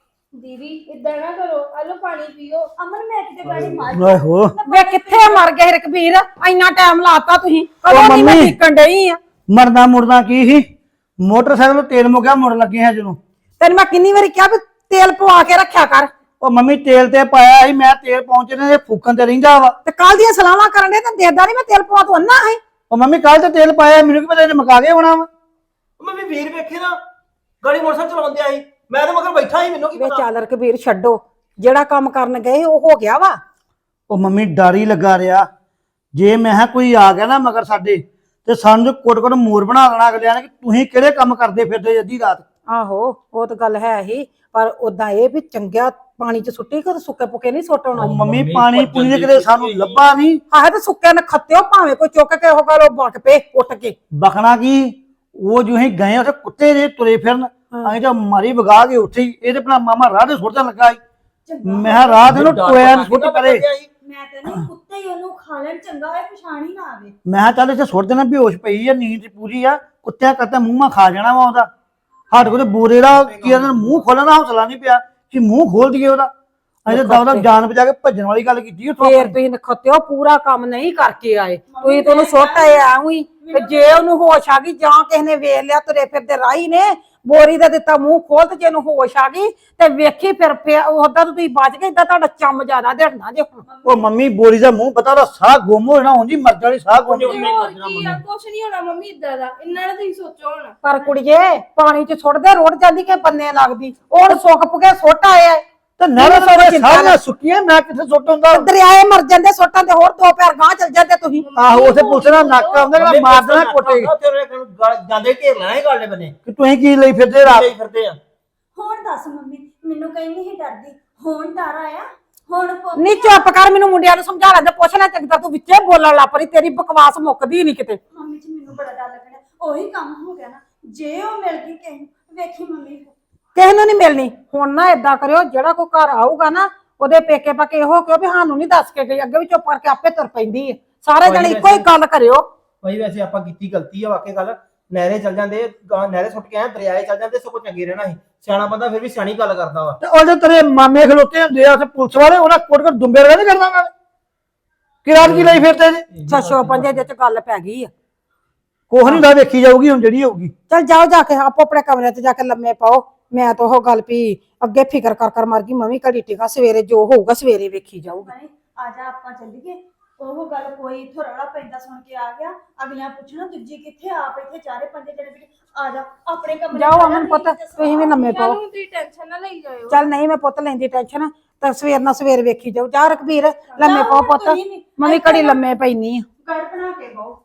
Speaker 5: ਦੀਦੀ ਇਦਾਂ ਨਾ ਕਰੋ ਆ ਲਓ ਪਾਣੀ ਪੀਓ।
Speaker 4: ਅਮਨ ਮੈਂ ਕਿਤੇ ਗਾੜੀ ਮਾਰ
Speaker 2: ਓਏ ਹੋ
Speaker 1: ਵੇ ਕਿੱਥੇ ਮਰ ਗਏ ਰਕਬੀਰ ਇੰਨਾ ਟਾਈਮ ਲਾਤਾ ਤੁਸੀਂ ਕਦੋਂ ਦੀ ਮੈਂ
Speaker 2: ਮੰਮੀ।
Speaker 1: ਟਿਕਣ ਡਈ ਆ
Speaker 2: ਮਰਦਾ ਮੁਰਦਾ ਕੀ ਸੀ ਮੋਟਰਸਾਈਕਲ ਨੂੰ ਤੇਲ ਮੁੱਕਿਆ ਮੁੜ ਲੱਗੇ ਹਾਂ ਜਦੋਂ
Speaker 1: ਤੈਨੂੰ ਮੈਂ ਕਿੰਨੀ ਵਾਰੀ ਕਿਹਾ ਵੀ ਤੇਲ ਪਵਾ ਕੇ ਰੱਖਿਆ ਕਰ
Speaker 2: ਉਹ ਮੰਮੀ ਤੇਲ ਤੇ ਪਾਇਆ ਸੀ ਮੈਂ ਤੇਲ ਪਹੁੰਚਣੇ ਦੇ ਫੂਕਣ ਤੇ ਰਹਿੰਦਾ ਵਾ
Speaker 1: ਤੇ ਕੱਲ ਦੀਆਂ ਸਲਾਹਾਂ ਕਰਨ ਦੇ ਤਾਂ ਦੇਦਾ ਨਹੀਂ ਮੈਂ ਤੇਲ ਪਵਾ ਤੂੰ ਅੰਨਾ ਹੈ
Speaker 2: ਉਹ ਮੰਮੀ ਕੱਲ ਤੇ ਤੇਲ ਪਾਇਆ ਮੈਨੂੰ ਕੀ ਪਤਾ ਇਹਨੇ ਮੁਕਾ ਕੇ ਹੋਣਾ ਵਾ
Speaker 3: ਮੰਮੀ ਵੀਰ ਵੇਖੇ ਨਾ ਗਾੜੀ ਮੋਟਰਸਾਈਕਲ ਚਲਾਉਂਦੇ ਆਈ ਮੈਂ ਤਾਂ ਮਗਰ ਬੈਠਾ ਹੀ ਮੈਨੂੰ ਕੀ
Speaker 1: ਵੇ
Speaker 3: ਪਤਾ
Speaker 1: ਚੱਲ ਰਕਬੀਰ ਛੱਡੋ ਜਿਹੜਾ ਕੰਮ ਕਰਨ ਗਏ ਉਹ ਹੋ ਗਿਆ ਵਾ
Speaker 2: ਉਹ ਮੰਮੀ ਡਰ ਹੀ ਲੱਗਾ ਰਿਹਾ ਜੇ ਮੈਂ ਕਿਹਾ ਕੋਈ ਆ ਗਿਆ ਨਾ ਮਗਰ ਸਾਡੇ ਤੇ ਸਾਨੂੰ ਕੋਟ ਕੋਟ ਮੋਰ ਬਣਾ ਦੇਣਾ ਅਗਲਿਆਂ ਨੇ ਕਿ ਤੁਸੀਂ ਕਿਹੜੇ ਕੰਮ ਕਰਦੇ ਫਿਰਦੇ ਅੱਧੀ ਰਾਤ
Speaker 1: ਆਹੋ ਉਹ ਤਾਂ ਗੱਲ ਹੈ ਹੀ ਪਰ ਉਦਾਂ ਇਹ ਵੀ ਚੰਗਿਆ ਪਾਣੀ ਚ ਸੁੱਟੀ ਕਿ ਸੁੱਕੇ ਪੁੱਕੇ ਨਹੀਂ ਸੁੱਟਣਾ
Speaker 2: ਉਹ ਮੰਮੀ ਪਾਣੀ ਪੂਣੀ ਦੇ ਕਿਤੇ ਸਾਨੂੰ ਲੱਭਾ ਨਹੀਂ
Speaker 1: ਆਹ ਤੇ ਸੁੱਕੇ ਨੇ ਖੱਤਿਓ ਭਾਵੇਂ ਕੋਈ ਚੁੱਕ ਕੇ ਉਹ ਗੱਲ ਉਹ ਬਕ ਪੇ ਉੱਠ ਕੇ
Speaker 2: ਬਖਣਾ ਕੀ ਉਹ ਜੋ ਹੀ ਗਏ ਉੱਥੇ ਕੁੱਤੇ ਜੇ ਤੁਰੇ ਫਿਰਨ ਅਸੀਂ ਤਾਂ ਮਾਰੀ ਵਗਾ ਕੇ ਉੱਠੀ ਇਹਦੇ ਆਪਣਾ ਮਾਮਾ ਰਾਹ ਦੇ ਸੁੱਟਣ ਲੱਗਾ ਸੀ ਮੈਂ ਕਿਹਾ ਰਾਹ ਦੇ ਨੂੰ ਟੋਇਆ ਨੂੰ ਸੁੱਟ ਪਰੇ
Speaker 4: ਮੈਂ ਤੇ ਨਹੀਂ ਕੁੱਤੇ ਹੀ ਉਹਨੂੰ ਖਾ ਲੈਣ ਚੰਗਾ ਹੋਇਆ ਪਛਾਣ ਹੀ ਨਾ ਆਵੇ
Speaker 2: ਮੈਂ ਕਿਹਾ ਚੱਲ ਇੱਥੇ ਸੁੱਟ ਦੇਣਾ ਬੇਹੋਸ਼ ਪਈ ਆ ਨੀਂਦ ਪੂਰੀ ਆ ਕੁੱਤਿਆਂ ਕਰਤਾ ਮੂੰਹ ਮਾ ਖਾ ਜਾਣਾ ਵਾ ਉਹਦਾ ਸਾਡੇ ਕੋਲ ਬੋਰੇ ਦਾ ਕੀ ਇਹਨਾਂ ਮੂੰਹ ਖੋਲਣ ਦਾ ਹੌਸਲਾ ਨਹੀਂ ਪਿਆ ਕਿ ਮੂੰਹ ਖੋਲ ਦਈਏ ਉਹਦਾ ਅਸੀਂ ਤਾਂ ਦਵਦਾ ਜਾਨ ਬਚਾ ਕੇ ਭੱਜਣ ਵਾਲੀ ਗੱਲ ਕੀਤੀ ਉੱਥੋਂ
Speaker 1: ਫੇਰ ਤੁਸੀਂ ਨਖੱਤਿਓ ਪੂਰਾ ਕੰਮ ਨਹੀਂ ਕਰਕੇ ਆਏ ਤੁਸੀਂ ਤਾਂ ਉਹਨੂੰ ਸੁੱਟ ਆਏ ਐਵੇਂ ਹੀ ਤੇ ਜੇ ਉਹਨੂੰ ਹੋਸ਼ ਆ ਗਈ ਜਾਂ ਕਿਸੇ ਨੇ ਵੇਖ ਲਿਆ ਤੁਰੇ ਫਿਰਦੇ ਰਾਹੀ ਨੇ ਬੋਰੀ ਦਾ ਦਿੱਤਾ ਮੂੰਹ ਖੋਲ ਤੇ ਜੇ ਉਹਨੂੰ ਹੋਸ਼ ਆ ਗਈ ਤੇ ਵੇਖੀ ਫਿਰ ਉਹਦਾ ਤੁਸੀਂ ਬਚ ਗਏ ਇਦਾਂ ਤੁਹਾਡਾ ਚੰਮ ਜ਼ਿਆਦਾ ਦੇਣਾ ਜੇ ਹੁਣ
Speaker 2: ਉਹ ਮੰਮੀ ਬੋਰੀ ਦਾ ਮੂੰਹ ਪਤਾ ਉਹਦਾ ਸਾਹ ਗੁੰਮ ਹੋ ਜਾਣਾ ਉਂਝ ਮਰ ਜਾਣੀ ਸਾਹ ਗੁੰਮ ਹੋ ਜਾਣੀ
Speaker 5: ਹੋਰ ਕੀ ਆ ਕੁਛ ਨਹੀਂ ਹੋਣਾ ਮੰਮੀ ਇਦਾਂ ਦਾ ਇੰਨਾ ਨਾ ਤੁਸੀਂ ਸੋਚੋ ਹੁਣ।
Speaker 1: ਪਰ ਕੁੜੀਏ ਪਾਣੀ ਚ ਸੁੱਟਦੇ ਰੁੜ ਜਾਂਦੀ ਕਿ ਬੰਨੇ ਲੱਗਦੀ ਉਹ ਸੁੱਕ ਪੁਕੇ ਸੁੱਟ ਆਏ ਆ
Speaker 2: ਤੇ ਨਹਿਰਾਂ ਸਾਰੇ ਸਾਰੀਆਂ ਸੁੱਕੀਆਂ ਮੈਂ ਕਿੱਥੇ ਸੁੱਟ ਹੁੰਦਾ
Speaker 1: ਦਰਿਆਏ ਮਰ ਜਾਂਦੇ ਸੁੱਟਾਂ ਤੇ ਹੋਰ ਦੋ ਪੈਰ ਗਾਂ ਚਲ ਜਾਂਦੇ ਤੁਸੀਂ
Speaker 2: ਆਹੋ ਉਥੇ ਪੁਲਿਸ ਦਾ ਨੱਕ ਆਉਂਦਾ ਕਿ ਮਾਰ ਦੇਣਾ ਕੋਟੇ
Speaker 3: ਜਾਂਦੇ ਢੇਰ ਲੈਣਾ ਹੀ ਗਾਲੇ ਬਨੇ
Speaker 2: ਕਿ ਤੁਸੀਂ ਕੀ ਲਈ ਫਿਰਦੇ ਰਾਤ
Speaker 3: ਲਈ ਫਿਰਦੇ ਆ
Speaker 4: ਹੁਣ ਦੱਸ ਮੰਮੀ ਮੈਨੂੰ ਕਹੀਂ ਨਹੀਂ ਡਰਦੀ ਹੁਣ ਡਰ ਆਇਆ ਹੁਣ ਪੁੱਤ-
Speaker 1: ਨੀ ਚੁੱਪ ਕਰ ਮੈਨੂੰ ਮੁੰਡਿਆਂ ਨੂੰ ਸਮਝਾ ਲੈਂਦੇ ਪੁੱਛ ਲੈ ਚੰਗਦਾ ਤੂੰ ਵਿੱਚੇ ਬੋਲਣ ਲੱਪਰੀ ਤੇਰੀ ਬਕਵਾਸ ਮੁੱਕਦੀ ਨਹੀਂ ਕਿਤੇ
Speaker 4: ਮੰਮੀ ਜੀ ਮੈਨੂੰ ਬੜਾ ਡਰ ਲੱਗਣਾ ਉਹੀ ਕੰਮ ਹੋ ਗਿਆ ਨਾ ਜੇ ਉਹ ਮਿਲ ਗਈ ਕਿਸੇ ਨੂੰ ਵੇਖੀ ਮੰਮੀ
Speaker 1: ਕਿਸੇ ਨੂੰ ਨਹੀਂ ਮਿਲਣੀ ਹੁਣ ਨਾ ਏਦਾਂ ਕਰਿਓ ਜਿਹੜਾ ਕੋਈ ਘਰ ਆਊਗਾ ਨਾ ਉਹਦੇ ਪੇਕੇ ਪਕੇ ਇਹੋ ਕਿਉਂ ਵੀ ਸਾਨੂੰ ਨਹੀਂ ਦੱਸ ਕੇ ਗਈ ਅੱਗੇ ਵੀ ਚੁੱਪ ਕਰਕੇ ਆਪੇ ਤੁਰ ਪੈਂਦੀ ਹੈ ਸਾਰੇ ਜਣੇ ਇੱਕੋ ਹੀ ਗੱਲ ਕਰਿਓ
Speaker 3: ਭਾਈ ਵੈਸੇ ਆਪਾਂ ਕੀਤੀ ਗਲਤੀ ਆ ਵਾਕਈ ਗੱਲ ਨਹਿਰੇ ਚੱਲ ਜਾਂਦੇ ਗਾਂ ਨਹਿਰੇ ਸੁੱਟ ਕੇ ਆਏ ਦਰਿਆਏ ਚੱਲ ਜਾਂਦੇ ਸਗੋਂ ਚੰਗੇ ਰਹਿਣਾ ਸੀ ਸਿਆਣਾ ਬੰਦਾ ਫਿਰ ਵੀ ਸਿਆਣੀ ਗੱਲ ਕਰਦਾ ਵਾ
Speaker 2: ਤੇ ਉਹਦੇ ਤੇਰੇ ਮਾਮੇ ਖਲੋਤੇ ਹੁੰਦੇ ਆ ਉੱਥੇ ਪੁਲਿਸ ਵਾਲੇ ਉਹਨਾਂ ਕੋਟ ਕੋਟ ਦੁੰਬੇ ਰਗਾ ਨਹੀਂ ਕਰਦਾ ਉਹਨਾਂ ਨੇ ਕਿ ਰਾਤ ਕੀ ਲਈ ਫਿਰਦੇ ਜੀ
Speaker 1: ਛੱਛੋ ਪੰਜੇ ਦੇ ਚ ਗੱਲ ਪੈ ਗਈ ਆ
Speaker 2: ਕੋਹ ਨਹੀਂ ਦਾ ਵੇਖੀ ਜਾਊਗੀ ਹੁਣ ਜਿਹੜੀ ਹੋਊਗੀ
Speaker 1: ਚਲ ਜਾਓ ਜਾ ਕੇ ਆਪੋ ਆਪਣੇ ਕਮਰੇ ਤੇ ਜਾ ਕੇ ਲੰਮੇ ਪਾਓ ਮੈਂ ਤਾਂ ਉਹ ਗੱਲ ਵੀ ਅੱਗੇ ਫਿਕਰ ਕਰ ਕਰ ਮਰ ਗਈ ਮੈਂ ਵੀ ਘੜੀ ਟਿਕਾ ਸਵੇਰੇ ਜੋ ਹੋਊਗਾ ਸਵੇਰੇ ਵੇਖੀ ਜਾਊਗੀ
Speaker 4: ਬਣੇ ਆ ਜਾ ਆਪਾਂ ਚੱਲੀਏ ਉਹ ਗੱਲ ਕੋਈ ਇੱਥੋਂ ਰੌਲਾ ਪੈਂਦਾ ਸੁਣ ਕੇ ਆ ਗਿਆ ਅਗਲਿਆਂ ਪੁੱਛਣਾ ਦੂਜੀ ਕਿੱਥੇ ਆਪ ਇੱਥੇ ਚਾਰੇ ਪੰਜੇ ਜਣੇ ਬੈਠੇ ਆ ਜਾ ਆਪਣੇ ਕਮਰੇ
Speaker 1: ਜਾਓ ਅਮਨ ਪੁੱਤ ਤੁਸੀਂ ਵੀ ਲੰਮੇ ਪਾਓ
Speaker 5: ਚੱਲ ਹੁਣ ਤੁਸੀਂ ਟੈਨਸ਼ਨ ਨਾ ਲਈ ਜਾਇਓ।
Speaker 1: ਚੱਲ ਨਹੀਂ ਮੈਂ ਪੁੱਤ ਲੈਂਦੀ ਟੈਨਸ਼ਨ ਤਾਂ ਸਵੇਰ ਨਾਲ ਸਵੇਰ ਵੇਖੀ ਜਾਊ ਜਾ ਰਕਬੀਰ ਲੰਮੇ ਪਾਓ ਪੁੱਤ ਮੈਂ ਵੀ ਘੜੀ ਲੰਮੇ ਪੈਣੀ ਆ
Speaker 4: ਗੜ ਬਣਾ ਕੇ ਬਹੁ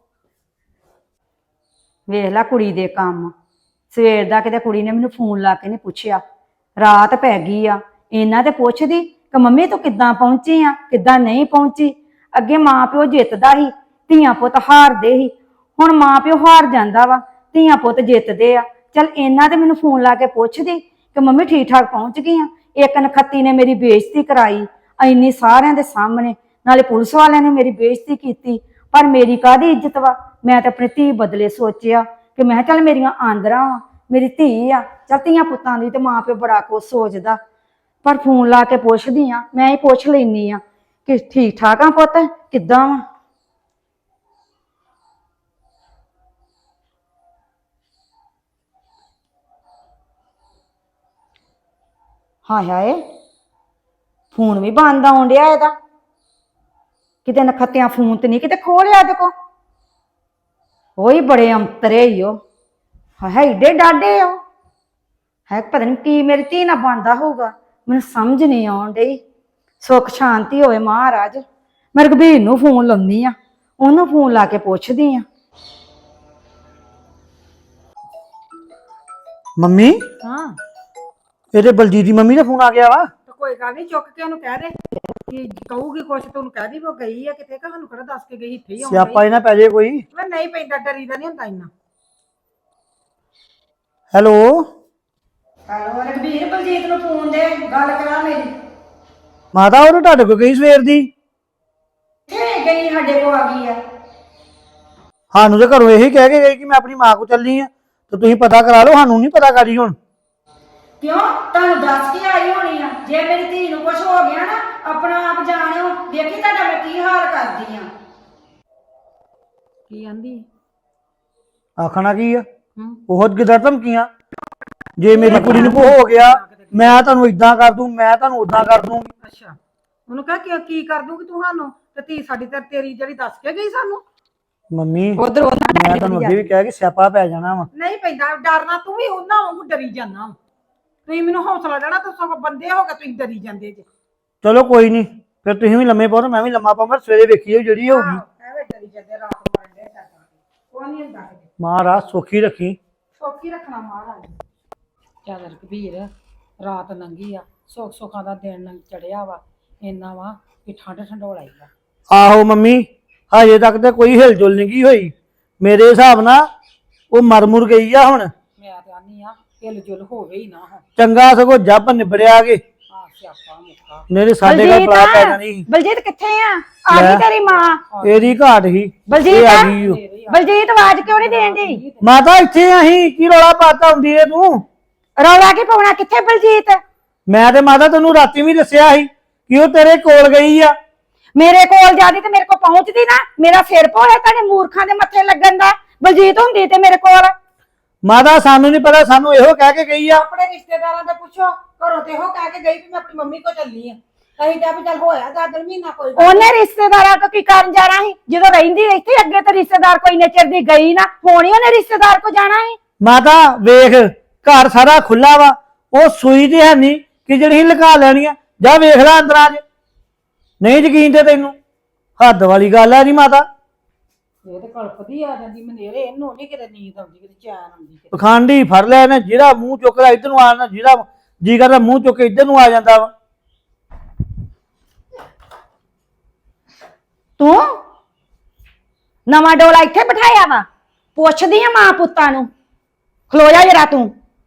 Speaker 6: ਵੇਖ ਲੈ ਕੁੜੀ ਦੇ ਕੰਮ ਸਵੇਰ ਦਾ ਕਿਤੇ ਕੁੜੀ ਨੇ ਮੈਨੂੰ ਫੋਨ ਲਾ ਕੇ ਨਹੀਂ ਪੁੱਛਿਆ ਰਾਤ ਪੈ ਗਈ ਆ ਇਹਨਾਂ ਤੇ ਪੁੱਛਦੀ ਕਿ ਮੰਮੀ ਤੂੰ ਕਿੱਦਾਂ ਪਹੁੰਚੀ ਆ ਕਿੱਦਾਂ ਨਹੀਂ ਪਹੁੰਚੀ ਅੱਗੇ ਮਾਂ ਪਿਓ ਜਿੱਤਦਾ ਸੀ ਧੀਆਂ ਪੁੱਤ ਹਾਰਦੇ ਸੀ ਹੁਣ ਮਾਂ ਪਿਓ ਹਾਰ ਜਾਂਦਾ ਵਾ ਧੀਆਂ ਪੁੱਤ ਜਿੱਤਦੇ ਆ ਚਲ ਇਹਨਾਂ ਤੇ ਮੈਨੂੰ ਫੋਨ ਲਾ ਕੇ ਪੁੱਛਦੀ ਕਿ ਮੰਮੀ ਠੀਕ ਠਾਕ ਪਹੁੰਚ ਗਈ ਆ ਇੱਕ ਨਖੱਤੀ ਨੇ ਮੇਰੀ ਬੇਇੱਜ਼ਤੀ ਕਰਾਈ ਇੰਨੀ ਸਾਰਿਆਂ ਦੇ ਸਾਹਮਣੇ ਨਾਲੇ ਪੁਲਿਸ ਵਾਲਿਆਂ ਨੇ ਮੇਰੀ ਬੇਇੱਜ਼ਤੀ ਕੀਤੀ ਪਰ ਮੇਰੀ ਕਾਹਦੀ ਇੱਜ਼ਤ ਵਾ ਮੈਂ ਤਾਂ ਆਪਣੀ ਧੀ ਬਦਲੇ ਸੋਚਿਆ ਕਿ ਮੈਂ ਚੱਲ ਮੇਰੀਆਂ ਆਂਦਰਾਂ ਵਾ ਮੇਰੀ ਧੀ ਆ ਚੱਲ ਧੀਆਂ ਪੁੱਤਾਂ ਦੀ ਤੇ ਮਾਂ ਪਿਓ ਬੜਾ ਕੁਛ ਸੋਚਦਾ ਪਰ ਫੋਨ ਲਾ ਕੇ ਪੁੱਛਦੀ ਆ ਮੈਂ ਹੀ ਪੁੱਛ ਲੈਨੀ ਆ ਕਿ ਠੀਕ ਠਾਕ ਆ ਪੁੱਤ ਕਿੱਦਾਂ ਵਾ ਹਾਏ ਹਾਏ ਫੋਨ ਵੀ ਬੰਦ ਆਉਣ ਡਿਆ ਇਹਦਾ ਕਿਤੇ ਨਖੱਤਿਆਂ ਫੋਨ ਤੇ ਨਹੀਂ ਕਿਤੇ ਖੋਲਿਆ ਇਹਦੇ ਕੋ ਉਹੀ ਬੜੇ ਅੰਤਰੇ ਹੀ ਉਹ ਹਾਏ ਏਡੇ ਡਾਡੇ ਹੋ ਹੈ ਪਤਾ ਨਹੀਂ ਕੀ ਮੇਰੀ ਧੀ ਨਾਲ ਬੰਦਾ ਹੋਊਗਾ ਮੈਨੂੰ ਸਮਝ ਨਹੀਂ ਆਉਣ ਡਈ ਸੁੱਖ ਸ਼ਾਂਤੀ ਹੋਵੇ ਮਹਾਰਾਜ ਮੈਂ ਰਘਬੀਰ ਨੂੰ ਫੋਨ ਲਾਉਂਦੀ ਆ ਉਹਨੂੰ ਫੋਨ ਲਾ ਕੇ ਪੁੱਛਦੀ ਆ
Speaker 2: ਮੰਮੀ
Speaker 1: ਹਾਂ
Speaker 2: ਇਹਦੇ ਬਲਜੀਤ ਦੀ ਮੰਮੀ ਦਾ ਫੋਨ ਆ ਗਿਆ ਵਾ
Speaker 1: ਤਾਂ ਕੋਈ ਗੱਲ ਨਹੀਂ ਚੁੱਕ ਕੇ ਉਹਨੂੰ ਕਹਿ ਦੇ ਕਿ ਕਹੂਗੀ ਕੁਛ ਤੂੰ ਉਹਨੂੰ ਕਹਿ ਦੀ ਉਹ ਗਈ ਆ ਕਿਤੇ ਕਿ ਸਾਨੂੰ ਕਿਹੜਾ ਦੱਸ ਕੇ ਗਈ ਇੱਥੇ ਹੀ ਆਉਂਦੀ
Speaker 2: ਸਿਆਪਾ ਇਹਨਾਂ ਪੈ ਜੇ ਕੋਈ
Speaker 1: ਮੈਂ ਨਹੀਂ ਪੈਂਦਾ ਡਰੀ ਦਾ ਨਹੀਂ ਹੁੰਦਾ ਇੰਨਾ
Speaker 2: ਹੈਲੋ
Speaker 6: ਹੈਲੋ ਰਘਬੀਰ ਬਲਜੀਤ ਨੂੰ ਫੋਨ ਦੇ ਗੱਲ ਕਰਾ ਮੇਰੀ
Speaker 2: ਮਾਤਾ ਉਹ ਤੁਹਾਡੇ ਕੋਲ ਗਈ ਸਵੇਰ ਦੀ
Speaker 6: ਕਿੱਥੇ ਗਈ ਸਾਡੇ ਕੋ ਆ ਗਈ ਆ
Speaker 2: ਸਾਨੂੰ ਤੇ ਘਰੋਂ ਇਹੀ ਕਹਿ ਕੇ ਗਈ ਕਿ ਮੈਂ ਆਪਣੀ ਮਾਂ ਕੋ ਚੱਲੀ ਆ ਤੇ ਤੁਸੀਂ ਪਤਾ ਕਰਾ ਲਓ ਸਾਨੂੰ ਨਹੀਂ ਪਤਾ ਕਰੀ ਹੁਣ
Speaker 6: ਕਿਉਂ ਤੁਹਾਨੂੰ ਦੱਸ ਕੇ ਆਈ ਹੋਣੀ ਆ ਜੇ ਮੇਰੀ ਧੀ ਨੂੰ ਕੁਝ ਹੋ ਗਿਆ ਨਾ ਆਪਣਾ ਆਪ ਜਾਣਿਓ ਦੇਖੀ ਤੁਹਾਡਾ ਮੈਂ ਕੀ ਹਾਲ ਕਰਦੀ ਆ।
Speaker 1: ਕੀ ਆਂਦੀ
Speaker 2: ਆਖਣਾ ਕੀ ਆ
Speaker 1: ਹੂੰ
Speaker 2: ਉਹ ਗਿੱਦੜ ਧਮਕੀਆਂ ਜੇ ਮੇਰੀ ਕੁੜੀ ਨੂੰ ਕੋ ਹੋ ਗਿਆ ਮੈਂ ਤੁਹਾਨੂੰ ਇਦਾਂ ਕਰ ਦੂੰ ਮੈਂ ਤੁਹਾਨੂੰ ਉਦਾਂ ਕਰ ਦੂੰ।
Speaker 1: ਅੱਛਾ ਉਹਨੂੰ ਕਹ ਕਿ ਕੀ ਕਰ ਦੂਗੀ ਤੂੰ ਸਾਨੂੰ ਤੇ ਧੀ ਸਾਡੀ ਤੇ ਤੇਰੀ ਜਿਹੜੀ ਦੱਸ ਕੇ ਗਈ ਸਾਨੂੰ।
Speaker 2: ਮੰਮੀ
Speaker 6: ਉਧਰ
Speaker 2: ਮੈਂ ਤੁਹਾਨੂੰ ਅੱਗੇ ਵੀ ਕਿਹਾ ਕਿ ਸਿਆਪਾ ਪੈ ਜਾਣਾ ਵਾ।
Speaker 1: ਨਹੀਂ ਪੈਂਦਾ ਡਰਨਾ ਤੂੰ ਵੀ ਉਹਨਾਂ ਵਾਂਗੂ ਡਰੀ ਜਾਂਦਾ ਤੁਸੀਂ ਮੈਨੂੰ ਹੌਸਲਾ ਦੇਣਾ ਤੇ ਸਗੋਂ ਬੰਦੇ ਹੋ ਕੇ ਤੁਸੀਂ ਡਰੀ ਜਾਂਦੇ ਜੇ।
Speaker 2: ਚਲੋ ਕੋਈ ਨਹੀਂ ਫਿਰ ਤੁਸੀਂ ਵੀ ਲੰਮੇ ਪਾਓ ਤੇ ਮੈਂ ਵੀ ਲੰਮਾ ਪਾਵਾਂ ਸਵੇਰੇ ਵੇਖੀਏ ਜਿਹੜੀ ਹੋਊਗੀ।
Speaker 1: ਐਵੇਂ ਡਰੀ ਜਾਂਦੇ ਰਾਤ ਮਰਨ ਦੇ ਡਰਦਾ ਉਹ ਨਹੀਂ ਹੁੰਦਾ ਕਿਤੇ
Speaker 2: ਮਹਾਰਾਜ ਸੁਖੀ ਰੱਖੀ।
Speaker 1: ਸੌਖੀ ਰੱਖਣਾ ਮਹਾਰਾਜ ਚੱਲ ਰਘਬੀਰ ਰਾਤ ਲੰਘੀ ਆ ਸੁੱਖ ਸੁੱਖਾਂ ਦਾ ਦਿਨ ਲੰਘ ਚੜਿਆ ਵਾ ਇੰਨਾ ਵਾ ਕਿ ਠੰਡ ਠੰਡੋਲਾ ਹੀ ਆ।
Speaker 2: ਆਹੋ ਮੰਮੀ ਹਜੇ ਤੱਕ ਤੇ ਕੋਈ ਹਿਲਜੁਲ ਨਹੀਂ ਗਈ ਹੋਈ ਮੇਰੇ ਹਿਸਾਬ ਨਾਲ ਉਹ ਮਰ ਮੁਰ ਗਈ ਆ ਹੁਣ।
Speaker 1: ਮੈਂ ਤੇ ਆਨੀ ਆ ਹਿਲ ਜੁਲ ਹੋਵੇ ਹੀ ਨਾ ਹੁਣ
Speaker 2: ਚੰਗਾ ਸਗੋਂ ਜੱਬ ਨਿਬੜਿਆ ਕੇ
Speaker 1: ਆ ਸਿਆਪਾ ਮੁੱਕਾ
Speaker 2: ਮੇਰੇ ਸਾਡੇ ਘਰ ਪੜਾ ਪੈ ਜਾਣੀ ਸੀ।
Speaker 6: ਬਲਜੀਤ ਕਿੱਥੇ ਆ ਆ
Speaker 2: ਲੈ।
Speaker 6: ਗਈ ਤੇਰੀ ਮਾਂ।
Speaker 2: ਇਹਦੀ ਘਾਟ ਹੀ
Speaker 6: ਬਲਜੀਤ
Speaker 2: ਇਹ ਆ ਗਈ ਓ।
Speaker 6: ਬਲਜੀਤ ਆਵਾਜ਼ ਕਿਉਂ ਨਹੀਂ ਦੇਣ ਦੀ?
Speaker 2: ਮਾਤਾ ਇੱਥੇ ਆਹੀ ਕੀ ਰੌਲਾ ਪਾਤਾ ਹੁੰਦੀ ਏ ਤੂੰ?
Speaker 6: ਰੌਲਾ ਕੀ ਪਾਉਣਾ ਕਿੱਥੇ ਬਲਜੀਤ?
Speaker 2: ਮੈਂ ਤੇ ਮਾਤਾ ਤੈਨੂੰ ਰਾਤੀ ਵੀ ਦੱਸਿਆ ਸੀ ਕਿ ਉਹ ਤੇਰੇ ਕੋਲ ਗਈ ਆ।
Speaker 6: ਮੇਰੇ ਕੋਲ ਜਾਂਦੀ ਤੇ ਮੇਰੇ ਕੋਲ ਪਹੁੰਚਦੀ ਨਾ ਮੇਰਾ ਸਿਰ ਪੋਇਆ ਤੁਹਾਡੇ ਮੂਰਖਾਂ ਦੇ ਮੱਥੇ ਲੱਗਣ ਦਾ। ਬਲਜੀਤ ਹੁੰਦੀ ਤੇ ਮੇਰੇ ਕੋਲ।
Speaker 2: ਮਾਤਾ ਸਾਨੂੰ ਨਹੀਂ ਪਤਾ ਸਾਨੂੰ ਇਹੋ ਕਹਿ ਕੇ ਗਈ ਆ।
Speaker 1: ਆਪਣੇ ਰਿਸ਼ਤੇਦਾਰਾਂ ਦੇ ਪੁੱਛੋ ਘਰੋਂ ਤੇ ਉਹ ਕਹਿ ਕੇ ਗਈ ਵੀ ਮੈਂ ਆਪਣੀ ਮੰਮੀ ਕੋ ਚੱਲੀ ਆ ਅਸੀਂ ਕਿਹਾ ਵੀ ਚੱਲ ਹੋਇਆ ਦਸ ਦਿਨ ਮਹੀਨਾ ਕੋਈ ਗੱਲ
Speaker 6: ਉਹਨੇ ਰਿਸ਼ਤੇਦਾਰਾਂ ਕੋ ਕੀ ਕਰਨ ਜਾਣਾ ਸੀ ਜਦੋਂ ਰਹਿੰਦੀ ਇੱਥੇ ਅੱਗੇ ਤੇ ਰਿਸ਼ਤੇਦਾਰ ਕੋਈ ਨੇਚਰ ਦੀ ਗਈ ਨਾ ਹੋਣੀ ਉਹਨੇ ਰਿਸ਼ਤੇਦਾਰ ਕੋ ਜਾਣਾ ਸੀ।
Speaker 2: ਮਾਤਾ ਵੇਖ ਘਰ ਸਾਰਾ ਖੁੱਲਾ ਵਾ ਉਹ ਸੂਈ ਤੇ ਹੈ ਨਹੀਂ ਕਿ ਜਿਹੜੀ ਲੁਕਾ ਲੈਣੀ ਆ। ਜਾ ਵੇਖ ਲੈ ਅੰਦਰਾਂ ਚ ਨਹੀਂ ਯਕੀਨ ਤੇ ਤੈਨੂੰ ਹੱਦ ਵਾਲੀ ਗੱਲ ਆ ਜੀ ਮਾਤਾ।
Speaker 1: ਇਹ ਤੇ ਕਲਪਦੀ ਆ ਜਾਂਦੀ ਮਨੇਰੇ ਇਹਨੂੰ ਨਹੀਂ ਕਿਤੇ ਨੀਂਦ ਆਉਂਦੀ ਕਿਤੇ ਚੈਨ ਆਉਂਦੀ ਕਿਤੇ।
Speaker 2: ਪਖੰਡੀ ਫੜ ਲਿਆ ਨੇ ਜਿਹੜਾ ਮੂੰਹ ਚੁੱਕਦਾ ਇੱਧਰ ਨੂੰ ਆ ਨਾ ਜਿਹੜਾ ਜੀ ਕਰਦਾ ਮੂੰਹ ਚੁੱਕ ਕੇ ਇੱਧਰ ਨੂੰ ਆ ਜਾਂਦਾ ਵਾ।
Speaker 6: ਤੂੰ ਨਵਾਂ ਡੋਲਾ ਇੱਥੇ ਬਿਠਾਇਆ ਵਾ ਪੁੱਛਦੀ ਆ ਮਾਂ ਪੁੱਤਾਂ ਨੂੰ ਖਲੋ ਜਾ ਜਰਾ ਤੂੰ।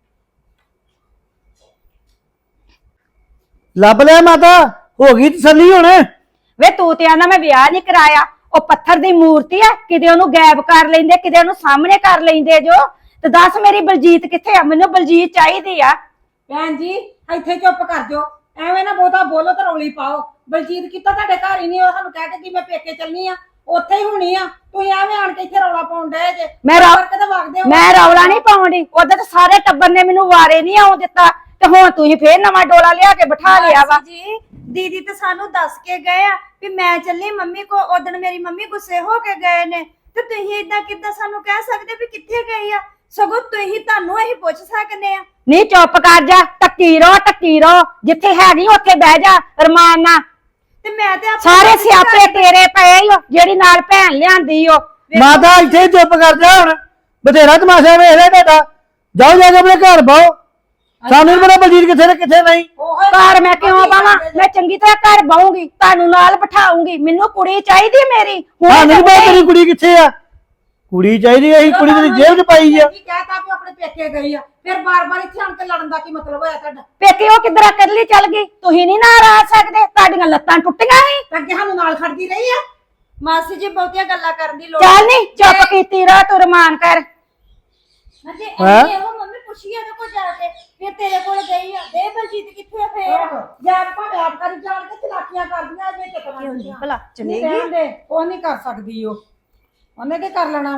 Speaker 2: ਲੱਭ ਲਿਆ ਮਾਤਾ ਹੋ ਗਈ ਤਸੱਲੀ ਹੁਣ।
Speaker 6: ਵੇ ਤੂੰ ਤੇ ਆਂਦਾ ਮੈਂ ਵਿਆਹ ਨਹੀਂ ਕਰਾਇਆ ਉਹ ਪੱਥਰ ਦੀ ਮੂਰਤੀ ਆ ਕਿਤੇ ਉਹਨੂੰ ਗਾਇਬ ਕਰ ਲੈਂਦੇ ਕਿਤੇ ਉਹਨੂੰ ਸਾਹਮਣੇ ਕਰ ਲੈਂਦੇ ਜੋ ਤੇ ਦੱਸ ਮੇਰੀ ਬਲਜੀਤ ਕਿੱਥੇ ਆ? ਮੈਨੂੰ ਬਲਜੀਤ ਚਾਹੀਦੀ ਆ।
Speaker 1: ਭੈਣ ਜੀ ਇੱਥੇ ਚੁੱਪ ਕਰ ਜਾਓ ਐਵੇਂ ਨਾ ਬਹੁਤਾ ਬੋਲੋ ਤੇ ਰੌਲੀ ਪਾਓ। ਬਲਜੀਤ ਕੀਤਾ ਤੁਹਾਡੇ ਘਰ ਹੀ ਨਹੀਂ ਉਹ ਸਾਨੂੰ ਕਹਿ ਕੇ ਕਿ ਮੈਂ ਪੇਕੇ ਚੱਲਣੀ ਆ ਉੱਥੇ ਹੀ ਹੋਣੀ ਆ ਤੁਸੀਂ ਐਵੇਂ ਆਣ ਕੇ ਇੱਥੇ ਰੌਲਾ ਪਾਉਣ ਡਏ ਜੇ।
Speaker 6: ਮੈਂ ਰੌ-
Speaker 1: ਕਰਕੇ ਤੇ ਵਗਦੇ ਹੋ।
Speaker 6: ਮੈਂ ਰੌਲਾ ਨਹੀਂ ਪਾਉਂਦੀ ਉਹਦੇ ਤੇ ਸਾਰੇ ਟੱਬਰ ਨੇ ਮੈਨੂੰ ਵਾਰੇ ਨਹੀਂ ਆਉਣ ਦਿੱਤਾ ਤੇ ਹੁਣ ਤੁਸੀਂ ਫੇਰ ਨਵਾਂ ਡੋਲਾ ਲਿਆ ਕੇ ਬਿਠਾ ਲਿਆ ਵਾ।
Speaker 4: ਮਾਸੀ ਜੀ ਦੀਦੀ ਤੇ ਸਾਨੂੰ ਦੱਸ ਕੇ ਗਏ ਆ ਵੀ ਮੈਂ ਚੱਲੀ ਮੰਮੀ ਕੋ ਉਦਣ ਮੇਰੀ ਮੰਮੀ ਗੁੱਸੇ ਹੋ ਕੇ ਗਏ ਨੇ ਤੇ ਤੁਸੀਂ ਇਦਾਂ ਕਿੱਦਾਂ ਸਾਨੂੰ ਕਹਿ ਸਕਦੇ ਵੀ ਕਿੱਥੇ ਗਈ ਆ? ਸਗੋਂ ਤੁਸੀਂ ਤੁਹਾਨੂੰ ਇਹੀ ਪੁੱਛ ਸਕਦੇ ਆ।
Speaker 6: ਨਹੀਂ ਚੁੱਪ ਕਰ ਜਾ ਟੱਕੀ ਰੋ ਟੱਕੀ ਰੋ ਜਿੱਥੇ ਹੈਗੀ ਉੱਥੇ ਬਹਿ ਜਾ ਰਮਾਨ ਨਾਲ।
Speaker 4: ਤੇ ਮੈਂ ਤੇ ਆਪਣੇ
Speaker 6: ਸਾਰੇ ਸਿਆਪੇ ਤੇਰੇ ਪਏ ਈ ਓ ਜਿਹੜੀ ਨਾਲ ਭੈਣ ਲਿਆਂਦੀ ਓ।
Speaker 2: ਮਾਤਾ ਇੱਥੇ ਚੁੱਪ ਕਰ ਜਾ ਹੁਣ ਬਥੇਰਾ ਤਮਾਸ਼ਾ ਵੇਖ ਲਿਆ ਤੁਹਾਡਾ। ਜਾਓ ਜਾ ਕੇ ਆਪਣੇ ਘਰ ਬਾਓ ਸਾਨੂੰ ਨੀ ਪਤਾ ਬਲਜੀਤ ਕਿੱਥੇ ਤੇ ਕਿੱਥੇ ਨਹੀਂ।
Speaker 1: ਉਹੀ
Speaker 6: ਘਰ ਮੈਂ ਕਿਉਂ ਪਾਵਾਂ ਮੈਂ ਚੰਗੀ ਤਰ੍ਹਾਂ ਘਰ ਬਾਉਂਗੀ ਤੁਹਾਨੂੰ ਨਾਲ ਬਿਠਾਉਂਗੀ ਮੈਨੂੰ ਕੁੜੀ ਚਾਹੀਦੀ ਮੇਰੀ
Speaker 2: ਹਾਂ
Speaker 6: ਹੁਣ
Speaker 2: ਨਹੀਂ ਪਤਾ ਤੇਰੀ ਕੁੜੀ ਕਿੱਥੇ ਆ। ਕੁੜੀ ਚਾਹੀਦੀ ਆ, ਅਸੀਂ ਕੁੜੀ ਤੇਰੀ ਜੇਬ 'ਚ ਪਾਈ ਆ।
Speaker 1: ਕੀ ਕਹਿਤਾ ਵੀ ਆਪਣੇ ਪੇਕੇ ਗਈ ਆ ਫਿਰ ਬਾਰ-ਬਾਰ ਇੱਥੇ ਆਣ ਕੇ ਲੜਨ ਦਾ ਕੀ ਮਤਲਬ ਹੋਇਆ ਤੁਹਾਡਾ?
Speaker 6: ਪੇਕੇ ਉਹ ਕਿਧਰ ਕੱਲੀ ਚੱਲ ਗਈ ਤੁਸੀਂ ਨਹੀਂ ਨਾਲ ਆ ਸਕਦੇ ਤੁਹਾਡੀਆਂ ਲੱਤਾਂ ਟੁੱਟੀਆਂ ਸੀ।
Speaker 1: ਤੇ ਅੱਗੇ ਸਾਨੂੰ ਨਾਲ ਖੜਦੀ ਰਹੀ ਆ।
Speaker 4: ਮਾਸੀ ਜੀ ਬਹੁਤੀਆਂ ਗੱਲਾਂ ਕਰਨ ਦੀ ਲੋੜ
Speaker 6: ਚੱਲ ਨਹੀਂ ਚੁੱਪ ਕੀਤੀ ਰਹਿ ਤੂੰ ਰਮਾਨ ਕਰ।
Speaker 4: ਮੈਂ ਤੇ
Speaker 2: ਹੈਂ?
Speaker 4: ਐਵੇਂ ਉਹ ਮੰਮੀ ਪੁੱਛੀ ਇਹਦੇ ਕੋਲ ਜਾ ਕੇ ਫਿਰ ਤੇਰੇ ਕੋਲ ਗਈ ਆ ਦੇ ਬਲਜੀਤ ਕਿੱਥੇ ਆ ਫੇਰ?
Speaker 1: ਜਾਂ ਭਾਵੇਂ ਆਪ ਕਰੀ ਜਾਣ ਕੇ ਚਲਾਕੀਆਂ ਕਰਦੀਆਂ ਜੇ ਚੱਕਰਾਂ
Speaker 6: ਭਲਾ
Speaker 1: ਨਹੀਂ ਰਹਿੰਦੇ ਉਹ ਨਹੀਂ ਕਰ ਸਕਦੀ ਉਹ ਉਹਨੇ ਕੀ ਕਰ ਲੈਣਾ?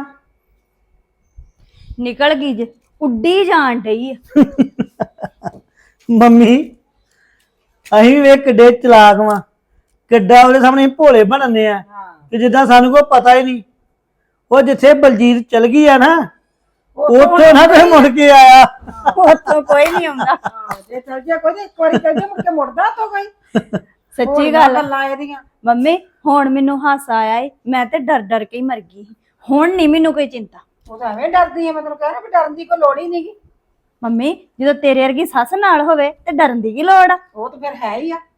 Speaker 4: ਨਿਕਲ ਗਈ ਜੇ ਉੱਡੀ ਜਾਣ ਡਈ ਆ।
Speaker 2: ਮੰਮੀ ਅਸੀਂ ਵੀ ਕਿੱਡੇ ਚਲਾਕ ਵਾਂ ਕਿੱਡਾ ਉਹਦੇ ਸਾਹਮਣੇ ਭੋਲੇ ਬਣਨੇ ਆ ਤੇ ਜਿੱਦਾਂ ਸਾਨੂੰ ਕੋਈ ਪਤਾ ਹੀ ਨਹੀਂ। ਉਹ ਜਿੱਥੇ ਬਲਜੀਤ ਚਲ ਗਈ ਆ ਨਾ ਉੱਥੋਂ ਨਾ ਤੇ ਮੁੜ ਕੇ ਆਇਆ।
Speaker 4: ਉੱਥੋਂ ਕੋਈ ਨਹੀਂ ਆਉਂਦਾ।
Speaker 1: ਹਾਂ ਜੇ ਚੱਲ ਜਾ ਕੋਈ ਇੱਕ ਵਾਰੀ ਚੱਲ ਜਾ ਮੁੜ ਕੇ ਮੁੜਦਾ ਤੋਂ ਗਈ।
Speaker 4: ਸੱਚੀ ਗੱਲ ਆ।
Speaker 1: ਗੱਲਾਂ ਇਹਦੀਆਂ
Speaker 4: ਮੰਮੀ ਹੁਣ ਮੈਨੂੰ ਹਾਸਾ ਆਇਆ ਏ ਮੈਂ ਤੇ ਡਰ ਡਰ ਕੇ ਹੀ ਮਰ ਗਈ ਸੀ। ਹੁਣ ਨਹੀਂ ਮੈਨੂੰ ਕੋਈ ਚਿੰਤਾ।
Speaker 1: ਉਹ ਤਾਂ ਐਵੇਂ ਡਰਦੀ ਆ ਮਤਲਬ ਕਹਿ ਰਿਹਾ ਵੀ ਡਰਨ ਦੀ ਕੋਈ ਲੋੜ ਹੀ ਨਹੀਂਗੀ।
Speaker 4: ਮੰਮੀ ਜਦੋਂ ਤੇਰੇ ਵਰਗੀ ਸੱਸ ਨਾਲ ਹੋਵੇ ਤੇ ਡਰਨ ਦੀ ਕੀ ਲੋੜ ਆ?
Speaker 1: ਉਹ ਤਾਂ ਫਿਰ ਹੈ ਹੀ ਆ